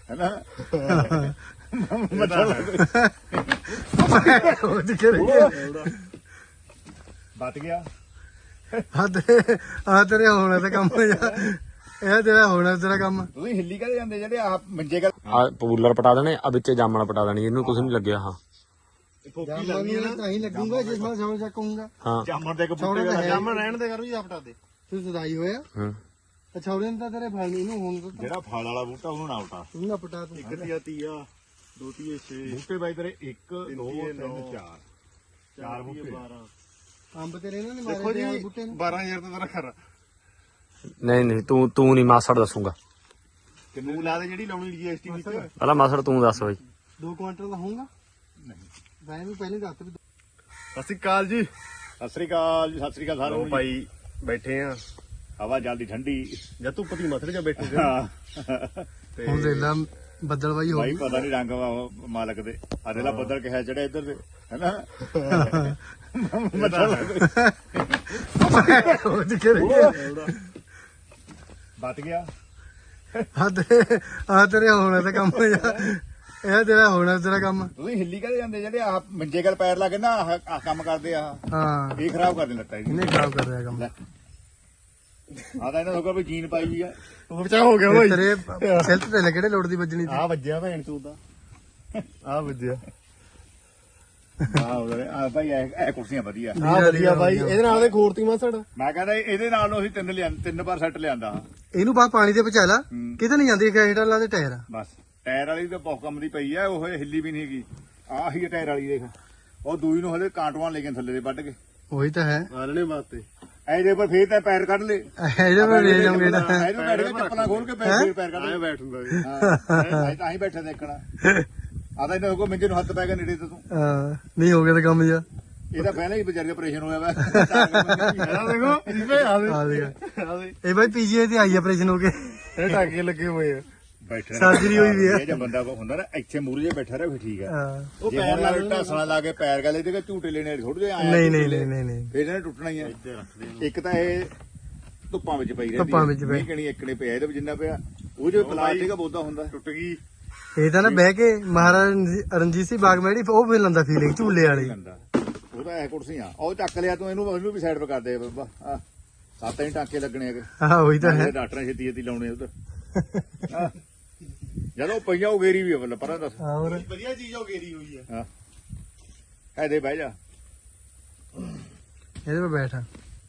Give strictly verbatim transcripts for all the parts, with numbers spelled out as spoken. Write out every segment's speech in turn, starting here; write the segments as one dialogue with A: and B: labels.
A: है ना बच गया
B: ਆ ਤੇਰੇ ਆ ਤੇਰੇ ਹੋਣਾ ਤੇ ਕੰਮ ਜਾ ਇਹ ਤੇਰਾ ਹੋਣਾ ਤੇਰਾ ਕੰਮ
A: ਤੁਸੀਂ ਹਿੱਲੀ ਕਦੇ ਜਾਂਦੇ ਜਿਹੜੇ ਆ ਮੰਜੇ ਕਰ
C: ਆ ਪੂਲਰ ਪਟਾ ਦੇਣੇ ਆ ਵਿੱਚੇ ਜਾਮਣ ਪਟਾ ਦੇਣੀ ਇਹਨੂੰ ਕੁਝ ਨਹੀਂ ਲੱਗਿਆ ਹਾਂ
B: ਫੋਕੀ ਲੱਗਣੀ ਹੈ ਤਾਂ ਹੀ ਲੱਗੂਗਾ ਜਿਸ ਨਾਲ ਛੋੜ ਚੱਕੂਗਾ
C: ਹਾਂ
A: ਜਾਮਣ ਦੇ
B: ਛੋੜੇ
A: ਕਬੂਤਰ
B: ਜਾਮਣ ਰਹਿਣ ਦੇ ਕਰੂ ਜਾਂ ਪਟਾ ਦੇ ਤੂੰ ਸਦਾਈ ਹੋਇਆ
C: ਹਾਂ
B: ਛੋੜੇ ਨੇ ਤਾਂ ਤੇਰੇ ਫਲ ਨਹੀਂ ਨੂੰ ਹੁਣ ਤਾਂ
A: ਜਿਹੜਾ ਫਲ ਵਾਲਾ ਬੂਟਾ ਉਹਨੂੰ ਨਾ ਉਟਾ
B: ਤੂੰ ਨਾ ਪਟਾ ਤੂੰ
A: ਇੱਕ ਤੀਆ ਤੀਆ ਦੋ ਤੀਏ ਛੇ ਬੂਟੇ ਬਾਈ ਤੇਰੇ ਇੱਕ ਦੋ ਤਿੰਨ ਚਾਰ ਚਾਰ ਬੂਟੇ
B: ਅੰਬ ਤੇਰੇ ਇਹਨਾਂ ਨੇ ਮਾਰੇ ਤੇ ਬੂਟੇ ਨੂੰ
A: ਬਾਰਾਂ ਹਜ਼ਾਰ ਤਾਂ ਤੇਰਾ ਖਰਾ
C: ਨਹੀਂ ਨਹੀਂ ਤੂੰ ਤੂੰ ਨਹੀਂ ਮਾਸੜ ਦੱਸੂਗਾ
A: ਕਿੰਨੂ ਲਾ ਦੇ ਜਿਹੜੀ ਲਾਉਣੀ ਜੀਐਸਟੀ ਵਿੱਚ
C: ਪਹਿਲਾਂ ਮਾਸੜ ਤੂੰ ਦੱਸ ਬਈ
B: ਦੋ ਕੁਆਂਟਲ ਦਾ ਹੋਊਗਾ
A: ਨਹੀਂ
B: ਮੈਂ ਵੀ ਪਹਿਲੇ ਦੱਸ ਵੀ
A: ਸਤਿ ਸ੍ਰੀ ਅਕਾਲ ਜੀ ਸਤਿ ਸ੍ਰੀ ਅਕਾਲ ਜੀ ਸਤਿ ਸ੍ਰੀ ਅਕਾਲ ਸਾਰਿਆਂ ਨੂੰ ਭਾਈ ਬੈਠੇ ਆ ਹਵਾ ਜਲਦੀ ਠੰਡੀ ਜਾਂ ਧੁੱਪ ਦੀ ਮੱਥੜੇ ਚ ਬੈਠੇ ਤੇ
B: ਹੁਣ ਦੇਖ ਲਾ ਬੱਦਲ ਬਾਈ ਹੋ
A: ਭਾਈ
B: ਗਈ
A: ਪਤਾ ਨਹੀਂ ਰੰਗ ਵਾ- ਮਾਲਕ ਦੇ ਆਦੇ ਲਾ ਬੱਦਲ ਕਿਹਾ ਚੜਿਆ ਇੱਧਰ ਤੇ ਹੈਨਾ
B: ਉਹ ਦਿਖੇ ਗਿਆ
A: ਬਚ ਗਿਆ
B: ਆ ਤੇਰੇ ਆ ਤੇਰੇ ਹੋਣਾ ਤੇ ਕੰਮ ਜਾ ਇਹ ਤੇਰਾ ਹੋਣਾ ਤੇਰਾ ਕੰਮ
A: ਤੁਸੀਂ ਹਿੱਲੀ ਕਦੇ ਜਾਂਦੇ ਜਿਹੜੇ ਆ ਮੰਜੇ ਗਲ ਪੈਰ ਲਾ ਕੇ ਨਾ ਆਹ ਆਹ ਕੰਮ ਕਰਦੇ ਆ
B: ਹਾਂ
A: ਇਹ ਖਰਾਬ ਕਰ ਦਿੰਦਾ ਇਹ
B: ਇਹਨੇ ਖਰਾਬ ਕਰ ਰਿਹਾ ਕੰਮ
A: ਆ ਤਾਂ ਇਹਨਾਂ ਨੂੰ ਕੋਈ ਜੀਨ ਪਾਈ ਵੀ ਆ
B: ਉਹ ਬਚਾ ਹੋ ਗਿਆ ਤੇਰੇ ਸਿਲਟ ਤੇ ਲੈ ਕਿਹੜੇ ਲੋੜ ਦੀ ਵੱਜਣੀ ਸੀ
A: ਆ ਵੱਜਿਆ ਭੈਣ ਤੂੰ ਦਾ ਆ ਵੱਜਿਆ ਆ ਭਾਈ ਇਹ ਕੁਰਸੀਆਂ ਵਧੀਆ
B: ਆ ਵਧੀਆ ਬਾਈ
A: ਇਹਦੇ ਨਾਲ ਦੇ ਖੋਰਤੀ ਮਸੜ ਮੈਂ ਕਹਿੰਦਾ ਇਹਦੇ ਨਾਲ ਨੂੰ ਅਸੀਂ ਤਿੰਨ ਲਿਆਂ ਤਿੰਨ ਵਾਰ ਸੈੱਟ ਲਿਆਂਦਾ
B: ਇਹਨੂੰ ਬਾ ਪਾਣੀ ਤੇ ਪਚਾ ਲਾ
A: ਹੂੰ।
B: ਕਿਤੇ ਨਹੀਂ ਜਾਂਦੀ ਖੇਡਾਂ ਲਾ ਦੇ ਟਾਇਰ
A: ਬਸ ਟਾਇਰ ਵਾਲੀ ਤਾਂ ਬਹੁਤ ਕੰਮ ਦੀ ਪਈ ਆ ਉਹ ਹਿੱਲੀ ਵੀ ਨਹੀਂ ਹੈਗੀ ਆਹ ਹੀ ਟਾਇਰ ਵਾਲੀ ਦੇਖ ਉਹ ਦੂਈ ਨੂੰ ਹਲੇ ਕਾਂਟਵਾਂ ਲੈ ਕੇ ਥੱਲੇ ਦੇ ਵੱਢ ਕੇ
B: ਉਹੀ ਤਾਂ ਹੈ
A: ਆਲਣੇ ਵਾਸਤੇ ਇਹਦੇ ਪਰ ਫੇਰ ਤਾਂ ਪੈਰ ਕੱਢ ਲੇ
B: ਇਹਦੇ ਪਰ ਲੈ ਜਾਉਂਗੇ ਤਾਂ
A: ਇਹਨੂੰ ਬੈਠ ਕੇ ਚੱਪਲਾਂ ਖੋਲ ਕੇ ਪੈਰ ਫੇਰ ਪੈਰ ਕੱਢ ਲੈ ਬੈਠੂਗਾ ਹਾਂ ਤਾਂ ਹੀ ਬੈਠੇ ਦੇਖਣਾ ਆ ਤਾਂ ਇਹਨਾਂ ਕੋ ਮੰਜੇ ਨੂੰ ਹੱਥ ਪੈ ਗਿਆ ਨੇੜੇ ਤੇ ਤੂੰ
B: ਹਾਂ ਨਹੀਂ ਹੋ ਗਿਆ ਤਾਂ ਕੰਮ ਜਾ
A: ਇਹਦਾ ਪਹਿਲਾਂ ਹੀ ਵਿਚਾਰੇ ਆਪਰੇਸ਼ਨ ਹੋਇਆ ਵਾ ਆ ਦੇਖੋ ਇਹਦੇ ਆ
B: ਆ ਦੇਗਾ ਇਹ ਬਾਈ ਪੀਜੀਆਈ ਤੇ ਆਈ ਆਪਰੇਸ਼ਨ ਹੋ ਕੇ
A: ਇਹ ਟਾਕੇ ਲੱਗੇ ਹੋਏ ਆ ਬੈਠੇ
B: ਸਰਜਰੀ ਹੋਈ ਵੀ ਆ
A: ਇਹ ਜੇ ਬੰਦਾ ਹੁੰਦਾ ਨਾ ਇੱਥੇ ਮੂਰੇ ਜੇ ਬੈਠਾ ਰਹੇ ਫਿਰ ਠੀਕ ਆ
B: ਹਾਂ
A: ਉਹ ਪੈਰ ਲਾ ਢਾਸਣਾ ਲਾ ਕੇ ਪੈਰ ਗਲੇ ਤੇ ਝੂਟੇ ਲੈਣੇ ਥੋੜੇ ਜਿਹਾ ਆਇਆ
B: ਨਹੀਂ ਨਹੀਂ ਨਹੀਂ ਨਹੀਂ ਨਹੀਂ
A: ਫਿਰ ਇਹਨੇ ਟੁੱਟਣਾ ਹੀ ਆ ਇੱਕ ਤਾਂ ਇਹ ਧੁੱਪਾਂ ਵਿੱਚ ਪਈ ਰਹਿੰਦੀ
B: ਧੁੱਪਾਂ ਵਿੱਚ ਪਈ।
A: ਨਹੀਂ ਕਣੀ ਇੱਕਣੇ ਪਿਆ ਇਹਦੇ ਵਿੱਚ ਜਿੰਨਾ ਪਿਆ ਉਹ ਜੋ ਪਲਾਸਟਿਕ ਬੋਦਾ ਹੁੰਦਾ ਟੁੱਟ ਗਈ
B: ਇਹ ਤਾਂ ਨਾ ਬਹਿ ਕੇ ਮਹਾਰਾਜ ਰਣਜੀਤ ਸਿੰਘ ਬਾਗ ਮੈੜੀ ਉਹ ਵੀ ਲੰਦਾ ਫੀਲਿੰਗ ਝੂਲੇ ਵਾਲੀ
A: ਲੰਦਾ ਉਹ ਤਾਂ ਇਹ ਕੁਰਸੀਆਂ ਉਹ ਚੱਕ ਲਿਆ ਤੂੰ ਇਹਨੂੰ ਇਹਨੂੰ ਵੀ ਸਾਈਡ 'ਤੇ ਕਰ ਦੇ ਬਾਬਾ ਆ ਸੱਤ ਹੀ ਟਾਂਕੇ ਲੱਗਣੇ ਹੈਗੇ
B: ਹਾਂ ਉਹੀ ਤਾਂ ਹੈ
A: ਡਾਕਟਰਾਂ ਛੇਤੀ ਛੇਤੀ ਲਾਉਣੇ ਉਧਰ ਜਦੋਂ ਪਈਆਂ ਉਹ ਗੇਰੀ ਵੀ ਬੱਲੇ ਪਰਾਂ ਦੱਸ
B: ਹੋਰ
A: ਵਧੀਆ ਚੀਜ਼ ਉਹ ਗੇਰੀ ਹੋਈ ਹੈ ਹਾਂ ਇਹਦੇ ਬਹਿ ਜਾ
B: ਇਹਦੇ 'ਤੇ ਬੈਠਾ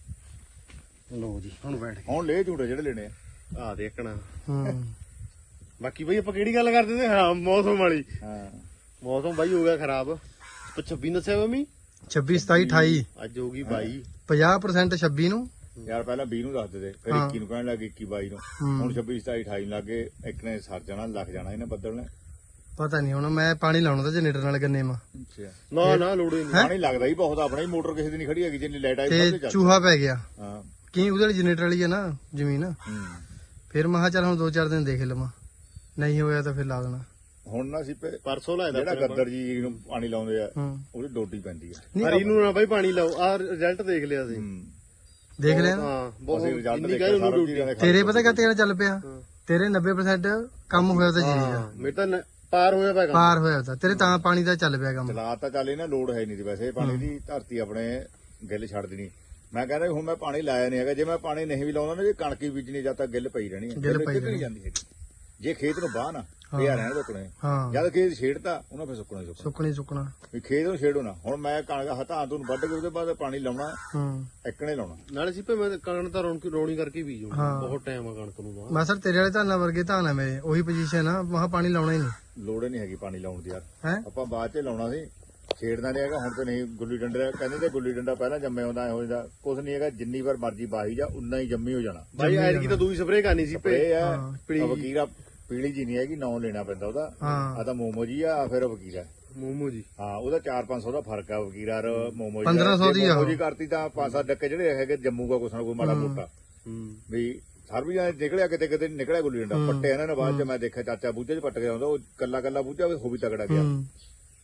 A: ਲੋ ਜੀ ਹੁਣ ਬੈਠ ਹੁਣ ਲੈ ਝੂਟੇ ਜਿਹੜੇ ਲੈਣੇ ਆ ਆ ਦੇਖਣਾ
B: ਹੂੰ
A: ਬਾਕੀ ਬਈ ਆਪਾਂ ਕਿਹੜੀ ਗੱਲ ਕਰਦੇ ਤੇ ਹਾਂ ਮੌਸਮ ਵਾਲੀ
B: ਹਾਂ
A: ਮੌਸਮ ਬਾਈ ਹੋ ਗਿਆ ਖਰਾਬ ਛੱਬੀ ਦੱਸਿਆ ਮੰਮੀ
B: ਛੱਬੀ ਸਤਾਈ ਅਠਾਈ
A: ਅੱਜ ਹੋ ਗਈ ਬਾਈ
B: ਪੰਜਾਹ ਪਰਸੈਂਟ ਛੱਬੀ ਨੂੰ
A: ਯਾਰ ਪਹਿਲਾਂ ਵੀਹ ਨੂੰ ਦੱਸਦੇ ਤੇ ਫਿਰ
B: ਹਾਂ।
A: ਇੱਕੀ ਨੂੰ ਕਹਿਣ ਲੱਗੇ ਇੱਕੀ ਬਾਈ ਨੂੰ
B: ਹੂੰ।
A: ਹੁਣ ਛੱਬੀ ਸਤਾਈ ਅਠਾਈ ਨੂੰ ਲੱਗੇ ਇੱਕ ਨੇ ਸਰ ਜਾਣਾ ਲੱਗ ਜਾਣਾ ਇਹਨੇ ਬੱਦਲ ਨੇ
B: ਪਤਾ ਨਹੀਂ ਹੁਣ ਮੈਂ ਪਾਣੀ ਲਾਉਣਾ ਤਾਂ ਜਨਰੇਟਰ ਨਾਲ ਗੰਨੇ ਮਾ
A: ਨਾ ਨਾ ਲੋੜੇ ਨਹੀਂ ਪਾਣੀ ਲੱਗਦਾ ਹੀ ਬਹੁਤ ਆਪਣਾ ਹੀ ਮੋਟਰ ਕਿਸੇ ਦੀ ਨਹੀਂ ਖੜੀ ਹੈਗੀ ਜਿੰਨੀ ਲਾਈਟ ਆਈ ਵੱਧ
B: ਤੇ
A: ਚੱਲ
B: ਚੂਹਾ ਪੈ ਗਿਆ
A: ਹਾਂ
B: ਕੀ ਉਹਦੇ ਵਾਲੀ ਜਨਰੇਟਰ ਵਾਲੀ ਆ ਨਾ ਜ਼ਮੀਨ
A: ਹੂੰ।
B: ਫਿਰ ਮੈਂ ਕਿਹਾ ਚੱਲ ਹੁਣ ਦੋ ਚਾਰ ਦਿਨ ਦੇਖ ਲਵਾਂ ਨਹੀਂ ਹੋਇਆ ਤਾਂ ਫਿਰ ਲਾ ਦੇਣਾ
A: ਹੁਣ ਨਾ ਸੀ ਪਰਸੋਂ ਲਾਇਆ ਜਿਹੜਾ ਗੱਦਰ ਜੀ ਨੂੰ ਪਾਣੀ ਲਾਉਂਦੇ ਆ
B: ਹੂੰ
A: ਉਹਦੀ ਡੋਡੀ ਪੈਂਦੀ ਆ
B: ਨਹੀਂ
D: ਹਰੀ ਨੂੰ ਨਾ ਬਾਈ ਪਾਣੀ ਲਾਓ ਆ ਰਿਜ਼ਲਟ ਦੇਖ ਲਿਆ ਸੀ
A: ਹੂੰ
B: ਦੇਖ ਲਿਆ
D: ਹਾਂ
A: ਅਸੀਂ
D: ਬਹੁਤ
A: ਰਿਜ਼ਲਟ
D: ਇੰਨੀ
A: ਦੇਖਿਆ
D: ਕਹੇ
A: ਸਾਰਾ
D: ਉਹਨੂੰ
A: ਚੀਜ਼ਾਂ ਦੇ
B: ਤੇਰੇ ਪਤਾ ਕਾ ਤੇਰਾ ਚੱਲ ਪਿਆ ਤੇਰੇ ਨੱਬੇ ਪਰਸੈਂਟ ਕੰਮ ਹੋਇਆ ਤਾਂ ਜੀ ਦਾ
D: ਮੇਰੇ ਤਾਂ ਨ- ਪਾਰ ਹੋਇਆ ਪਿਆ ਕੰਮ
B: ਪਾਰ ਹੋਇਆ ਤਾਂ ਤੇਰੇ ਤਾਂ ਪਾਣੀ ਦਾ ਚੱਲ ਪਿਆ ਕੰਮ
A: ਚਲਾ ਤਾਂ ਚੱਲ ਇਹਨਾਂ ਲੋਡ ਹੈ ਨਹੀਂ ਸੀ ਵੈਸੇ ਪਾਣੀ ਦੀ ਧਰਤੀ ਆਪਣੇ ਗਿੱਲ ਛੱਡ ਦੇਣੀ ਮੈਂ ਕਹਿੰਦਾ ਵੀ ਹੁਣ ਮੈਂ ਪਾਣੀ ਲਾਇਆ ਨਹੀਂ ਹੈਗਾ ਜੇ ਮੈਂ ਪਾਣੀ ਨਹੀਂ ਵੀ ਲਾਉਂਦਾ ਨਾ ਜੇ ਕਣਕ ਹੀ ਬੀਜਣੀ ਜਾਂ ਤਾਂ ਗਿੱਲ ਪਈ ਰਹਿਣੀ ਹੈ
B: ਗਿੱਲ ਪਈ
A: ਕਿੱਧਰ ਜਾਂਦੀ ਹੈ ਜੇ ਖੇਤ ਨੂੰ ਬਾਹ ਨਾ ਪਿਆ ਰਹਿਣਾ ਰੁਕਣੇ
B: ਹਾਂ
A: ਜਦ ਖੇਤ ਛੇੜਤਾ ਉਹਨਾਂ ਫਿਰ ਸੁੱਕਣਾ ਹੀ ਸੁੱਕਣਾ
B: ਸੁੱਕਣੀ ਸੁੱਕਣਾ
A: ਵੀ ਖੇਤ ਨੂੰ ਛੇੜੋ ਨਾ ਹੁਣ ਮੈਂ ਕਣਕ ਹੱਥਾਂ ਤੋਂ ਵੱਢ ਕੇ ਉਹਦੇ ਬਾਅਦ ਪਾਣੀ ਲਾਉਣਾ
B: ਹੂੰ
A: ਇੱਕਣੇ ਲਾਉਣਾ
D: ਨਾਲੇ ਸੀ ਭੇ ਮੈਂ ਕਣਕ ਤਾਂ ਰੌਣੀ ਰੌਣੀ ਕਰਕੇ ਬੀਜੂ
B: ਹਾਂ।
D: ਬਹੁਤ ਟਾਈਮ ਆ ਕਣਕ ਨੂੰ ਬਾਅਦ
B: ਮੈਂ ਸਰ ਤੇਰੇ ਵਾਲੇ ਧਾਨਾਂ ਵਰਗੇ ਧਾਨ ਆ ਮੇਰੇ ਉਹੀ ਪੋਜੀਸ਼ਨ ਆ ਮਹਾ ਪਾਣੀ ਲਾਉਣਾ ਹੀ ਨਹੀਂ
A: ਲੋੜ ਹੀ ਨਹੀਂ ਹੈਗੀ ਪਾਣੀ ਲਾਉਣ ਦੀ ਯਾਰ
B: ਹੈ
A: ਆਪਾਂ ਬਾਅਦ ਚ ਲਾਉਣਾ ਸੀ ਛੇੜਦਾ ਨਹੀਂ ਹੈਗਾ ਹੁਣ ਤੇ ਨਹੀਂ ਗੁੱਲੀ ਡੰਡਾ ਕਹਿੰਦੇ ਤੇ ਗੁੱਲੀ ਡੰਡਾ ਪਹਿਲਾਂ ਜੰਮੇ ਹੁੰਦਾ ਐ ਹੋ ਜਾਂਦਾ ਕੁਝ ਨਹੀਂ ਹੈਗਾ ਜਿੰਨੀ ਵਾਰ ਮਰਜ਼ੀ ਬਾਹੀ ਜਾ ਉਨਾ ਹੀ ਜੰਮੀ ਹੋ ਜਾਣਾ
D: ਬਾਈ ਐਤਕੀ ਤਾਂ ਦੂਈ ਸਪਰੇਅ ਕਰਨੀ ਸੀ ਭੇ
A: ਇਹ ਆ
B: ਹਾਂ,
A: ਵਕੀਰਾ ਪੀਲੀ ਜੀ ਨਹੀਂ ਹੈਗੀ ਨਾਂ ਲੈਣਾ ਪੈਂਦਾ ਉਹਦਾ
B: ਹਾਂ
A: ਆ ਤਾਂ ਮੋਮੋ ਜੀ ਆ ਫਿਰ ਵਕੀਰਾ
D: ਮੋਮੋ ਜੀ
A: ਹਾਂ ਉਹਦਾ ਚਾਰ ਪੰਜ ਸੌ ਦਾ ਫਰਕ ਆ ਵਕੀਰਾ ਔਰ ਮੋਮੋ ਜੀ
B: ਪੰਦਰਾਂ ਸੌ ਦੀ ਆ
A: ਮੋਮੋ ਜੀ ਕਰਤੀ ਤਾਂ ਪੰਜ ਸੱਤ ਡੱਕੇ ਜਿਹੜੇ ਹੈਗੇ ਜੰਮੂ ਦਾ ਕੁਛ ਨਾ ਕੋਈ ਮਾੜਾ ਮੋਟਾ
D: ਹੂੰ
A: ਵੀ ਸਰ ਵੀ ਨਿਕਲਿਆ ਕਿਤੇ ਕਿਤੇ ਨਿਕਲਿਆ ਗੁੱਲੀ ਡੰਡਾ ਪੱਟੇ ਇਹਨਾਂ ਨੇ ਬਾਅਦ ਚ ਮੈਂ ਦੇਖਿਆ ਚਾਚਾ ਬੂਝੇ ਚ ਪੱਟ ਗਿਆ ਹੁੰਦਾ ਉਹ ਕੱਲਾ ਕੱਲਾ ਬੂਝਾ ਉਹ ਵੀ ਤਗੜਾ ਗਿਆ
B: ਹੂੰ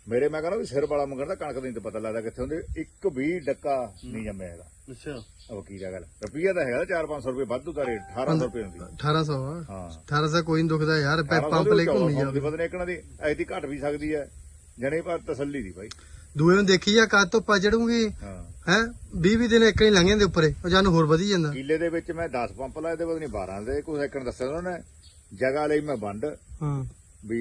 A: ਮੇਰੇ ਮੈਂ ਕਹਿੰਦਾ ਵੀ ਸਿਰ ਵਾਲਾ ਮੰਗਣ ਦਾ ਕਣਕ ਨਹੀਂ ਤੇ ਪਤਾ ਲੱਗਦਾ ਕਿੱਥੇ ਹੁੰਦੇ ਇੱਕ ਵੀ ਡੱਕਾ ਨਹੀਂ ਜੰਮਿਆ ਹੈਗਾ
D: ਅੱਛਾ
A: ਉਹ ਕੀ ਦਾ ਗੱਲ ਰੁਪਈਆ ਤਾਂ ਹੈਗਾ ਚਾਰ ਪੰਜ ਸੌ ਰੁਪਏ ਵਾਧੂ ਦਾ ਰੇਟ ਅਠਾਰਾਂ ਸੌ ਰੁਪਏ ਹੁੰਦੀ
B: ਅਠਾਰਾਂ ਸੌ ਆ
A: ਹਾਂ
B: ਅਠਾਰਾਂ ਸੌ ਕੋਈ ਨਹੀਂ ਦੁਖਦਾ ਯਾਰ ਪੈ- ਪੰਪ ਲਈ ਘੁੰਮੀ ਜਾ
A: ਪਤਾ ਨਹੀਂ ਇੱਕ ਦੀ ਐਦੀ ਘਟ ਵੀ ਸਕਦੀ ਹੈ ਜਣੇ ਪਰ ਤਸੱਲੀ ਦੀ ਭਾਈ
B: ਦੂਏ ਨੂੰ ਦੇਖੀ ਜਾ ਕਦ ਧੁੱਪਾ ਚੜੂਗੀ
A: ਹਾਂ
B: ਹੈ ਵੀਹ ਵੀਹ ਦਿਨ ਇੱਕ ਨਹੀਂ ਲੰਘ ਜਾਂਦੇ ਉੱਪਰੇ ਉਹ ਜਾਨੂੰ ਹੋਰ ਵਧੀ ਜਾਂਦਾ
A: ਕਿੱਲੇ ਦੇ ਵਿੱਚ ਮੈਂ ਦਸ ਪੰਪ ਲਾਏ ਤੇ ਪਤਾ ਨਹੀਂ ਬਾਰਾਂ ਦੇ ਕੋਈ ਸੈਕੰਡ ਦੱਸਿਆ ਉਹਨਾਂ ਨੇ ਜਗ੍ਹਾ ਲਈ ਮੈਂ ਵੰਡ
B: ਹਾਂ
A: ਵੀ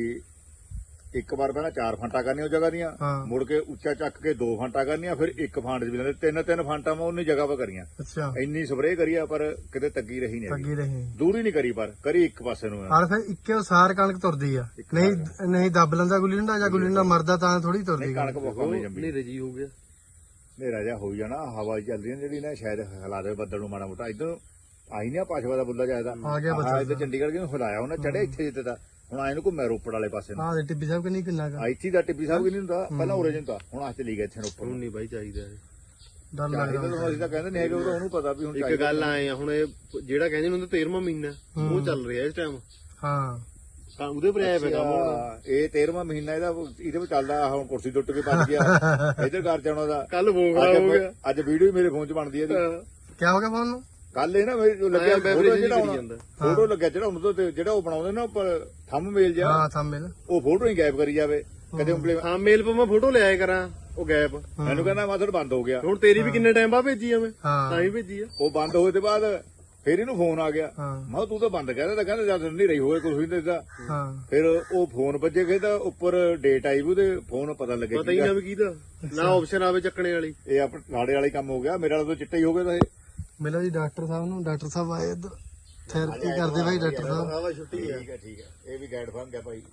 A: ਇੱਕ ਵਾਰ ਪਹਿਲਾਂ ਚਾਰ ਫਾਂਟਾ ਕਰਨੀਆਂ ਉਹ ਜਗ੍ਹਾ ਦੀਆਂ
B: ਹਾਂ।
A: ਮੁੜ ਕੇ ਉੱਚਾ ਚੱਕ ਕੇ ਦੋ ਫਾਂਟਾ ਕਰਨੀਆਂ ਫਿਰ ਇੱਕ ਫਾਂਟ ਚ ਵੀ ਲੈਂਦੇ ਤਿੰਨ ਤਿੰਨ ਫਾਂਟਾ ਮੈਂ ਉਹਨੀ ਜਗ੍ਹਾ 'ਤੇ ਕਰੀਆਂ
B: ਅੱਛਾ
A: ਇੰਨੀ ਸਪਰੇਅ ਕਰੀ ਆ ਪਰ ਕਿਤੇ ਤੱਗੀ ਰਹੀ ਨਹੀਂ
B: ਲੱਗੀ ਰਹੇ
A: ਦੂਰੀ ਨਹੀਂ ਕਰੀ ਪਰ ਕਰੀ ਇੱਕ ਪਾਸੇ ਨੂੰ
B: ਹਾਲ ਫਿਰ ਇੱਕੇ ਸਾਰ ਕਣਕ ਤੁਰਦੀ ਆ ਨਹੀਂ ਨਹੀਂ ਦੱਬ ਲੈਂਦਾ ਗੁੱਲੀ ਡੰਡਾ ਜਾਂ ਗੁੱਲੀ ਡੰਡਾ ਮਰਦਾ ਤਾਂ ਥੋੜੀ ਤੁਰਦੀ
A: ਨਹੀਂ ਕਣਕ ਬਹੁਤ ਨਹੀਂ ਜੰਮੀ
D: ਹਨੇਰੇ ਜੀ ਹੋ ਗਿਆ
A: ਹਨੇਰਾ ਜਿਹਾ ਹੋਈ ਜਾਣਾ ਹਵਾ ਚੱਲਦੀ ਹੈ ਜਿਹੜੀ ਨਾ ਸ਼ਾਇਦ ਹਿਲਾ ਦੇ ਬੱਦਲ ਨੂੰ ਮਾੜਾ ਮੋਟਾ ਇਧਰ ਆਈ ਨਹੀਂ ਪਾਸ਼ਵਾ ਦਾ ਬੁੱਲਾ ਜਾਇਦਾ
B: ਆ ਗਿਆ ਬੱਦਲ।
A: ਇੱਧਰ ਚੰਡੀਗੜ੍ਹ ਕਿਉਂ ਹਿਲਾਇਆ ਉਹਨੇ ਚੜਿਆ ਇੱਥੇ ਜਿੱਤੇ ਦਾ ਹੁਣ ਆਏ ਨੂੰ ਘੁੰਮਿਆ ਰੋਪੜ ਵਾਲੇ ਪਾਸੇ ਨੂੰ
B: ਆਹ ਦੇ ਟਿੱਬੀ ਸਾਹਿਬ ਕਿੰਨੀ ਕਿੰਨਾ ਕਾ
A: ਆ ਇੱਥੇ ਦਾ ਟਿੱਬੀ ਸਾਹਿਬ ਵੀ ਨਹੀਂ ਹੁੰਦਾ ਪਹਿਲਾਂ ਉਰੇ ਜਿੰਦਾ ਹੁਣ ਆ ਚਲੀ ਗਿਆ ਇੱਥੇ ਨੂੰ ਉੱਪਰ
D: ਹੁਣ
A: ਨੂੰ
D: ਨਹੀਂ ਬਾਈ ਚਾਹੀਦਾ ਇਹ।
B: ਡਰ
A: ਚਾਹੀਦਾ
B: ਲੱਗਦਾ
A: ਤਾਂ ਅਸੀਂ ਤਾਂ ਕਹਿੰਦੇ ਨਹੀਂ ਹੈਗੇ ਉਹ ਉਹਨੂੰ ਪਤਾ ਵੀ ਹੁਣ
D: ਇੱਕ
A: ਚਾਹੀਦਾ
D: ਗੱਲ ਆਏ ਆ ਹੁਣ ਇਹ ਜਿਹੜਾ ਕਹਿੰਦੇ ਨੇ ਉਹਦਾ ਤੇਰਵਾਂ ਮਹੀਨਾ ਉਹ ਚੱਲ ਰਿਹਾ ਇਸ ਟਾਈਮ
B: ਹਾਂ
D: ਤਾਂ ਉਹਦੇ ਪਰ ਆਇਆ ਪਿਆ ਕੰਮ ਹੁਣ
A: ਅੱਛਾ, ਇਹ ਤੇਰਵਾਂ ਮਹੀਨਾ ਇਹਦਾ ਇਹਦੇ ਵਿੱਚ ਚੱਲਦਾ ਆਹ ਹੁਣ ਕੁਰਸੀ ਟੁੱਟ ਕੇ ਬਚ ਗਿਆ ਇੱਧਰ ਘਰ ਚ ਆਉਣਾ ਦਾ
D: ਕੱਲ ਫੋਨ ਖਰਾਬ ਹੋ ਗਿਆ
A: ਅੱਜ ਵੀਡੀਓ ਮੇਰੇ ਫੋਨ 'ਚ ਬਣਦੀ ਹੈ ਇਹਦੀ
B: ਕੀ ਹੋ ਗਿਆ ਫੋਨ ਨੂੰ
A: ਕੱਲ ਇਹ ਨਾ ਮੇਰੇ ਜੋ ਲੱਗਿਆ
D: ਐਂ
A: ਫੋਟੋ
D: vibration ਜਿਹੀ
A: ਜਿਹੜਾ
D: ਕਰੀ ਜਾਂਦਾ।
A: ਫੋਟੋ ਲੱਗਿਆ ਜਿਹੜਾ ਉਹਨੂੰ ਤੋਂ ਜਿਹੜਾ ਉਹ ਬਣਾਉਂਦੇ ਨਾ ਉੱਪਰ ਥੰਮ ਮੇਲ ਜਿਹਾ
B: ਹਾਂ ਥੰਬੇ ਨਾ
A: ਉਹ ਫੋਟੋ ਹੀ ਗਾਇਬ ਕਰੀ ਜਾਵੇ ਕਦੇ ਉਂਗਲੇ
D: ਹਾਂ ਮੇਲ ਪਾ ਮੈਂ ਫੋਟੋ ਲਿਆਇਆ ਕਰਾਂ ਉਹ ਗੈਪ
A: ਮੈਨੂੰ ਕਹਿੰਦਾ ਮਾਥੜ ਬੰਦ ਹੋ ਗਿਆ
D: ਹੁਣ ਤੇਰੀ ਵੀ ਕਿੰਨੇ ਟਾਈਮ ਬਾਅਦ ਭੇਜੀ ਆ ਮੈਂ
B: ਹਾਂ
D: ਤਾਂ ਹੀ ਭੇਜੀ ਆ
A: ਉਹ ਬੰਦ ਹੋਏ ਤੇ ਬਾਅਦ ਫਿਰ ਇਹਨੂੰ ਫੋਨ ਆ ਗਿਆ
B: ਹਾਂ
A: ਮੈਂ ਕਿਹਾ ਤੂੰ ਤਾਂ ਬੰਦ ਕਹਿੰਦਾ ਤਾਂ ਕਹਿੰਦਾ ਜਦ ਨਹੀਂ ਰਹੀ ਹੋਏ ਕੁਝ ਵੀ ਨਹੀਂ ਦਿੱਤਾ
B: ਹਾਂ
A: ਫਿਰ ਉਹ ਫੋਨ ਵੱਜੇ ਗਏ ਤਾਂ ਉੱਪਰ ਡੇਟ ਆਈ ਵੀ ਉਹਦੇ ਫੋਨ ਪਤਾ ਲੱਗਿਆ
D: ਪਤਾ ਹੀ ਨਾ ਵੀ ਕਿਹਦਾ ਨਾ ਆਪਸ਼ਨ ਆਵੇ ਚੱਕਣੇ ਵਾਲੀ
A: ਇਹ ਆਪਣੇ ਲਾੜੇ ਵਾਲਾ ਹੀ ਕੰਮ ਹੋ ਗਿਆ ਮੇਰੇ ਵਾਲਾ ਤਾਂ ਚਿੱਟਾ ਹੀ ਹੋ ਗਿਆ ਤਾਂ ਇਹ
B: ਮਿਲੋ ਜੀ ਡਾਕਟਰ ਸਾਹਿਬ ਨੂੰ ਡਾਕਟਰ ਸਾਹਿਬ ਆਏ ਇੱਧਰ ਥੈਰੇਪੀ ਕਰਦੇ ਭਾਈ ਡਾਕਟਰ ਸਾਹਿਬ
D: ਆਵਾ ਛੁੱਟੀ ਆ
A: ਠੀਕ ਹੈ ਠੀਕ ਹੈ ਇਹ ਵੀ ਗਾਈਡ ਬਣ ਗਿਆ ਭਾਈ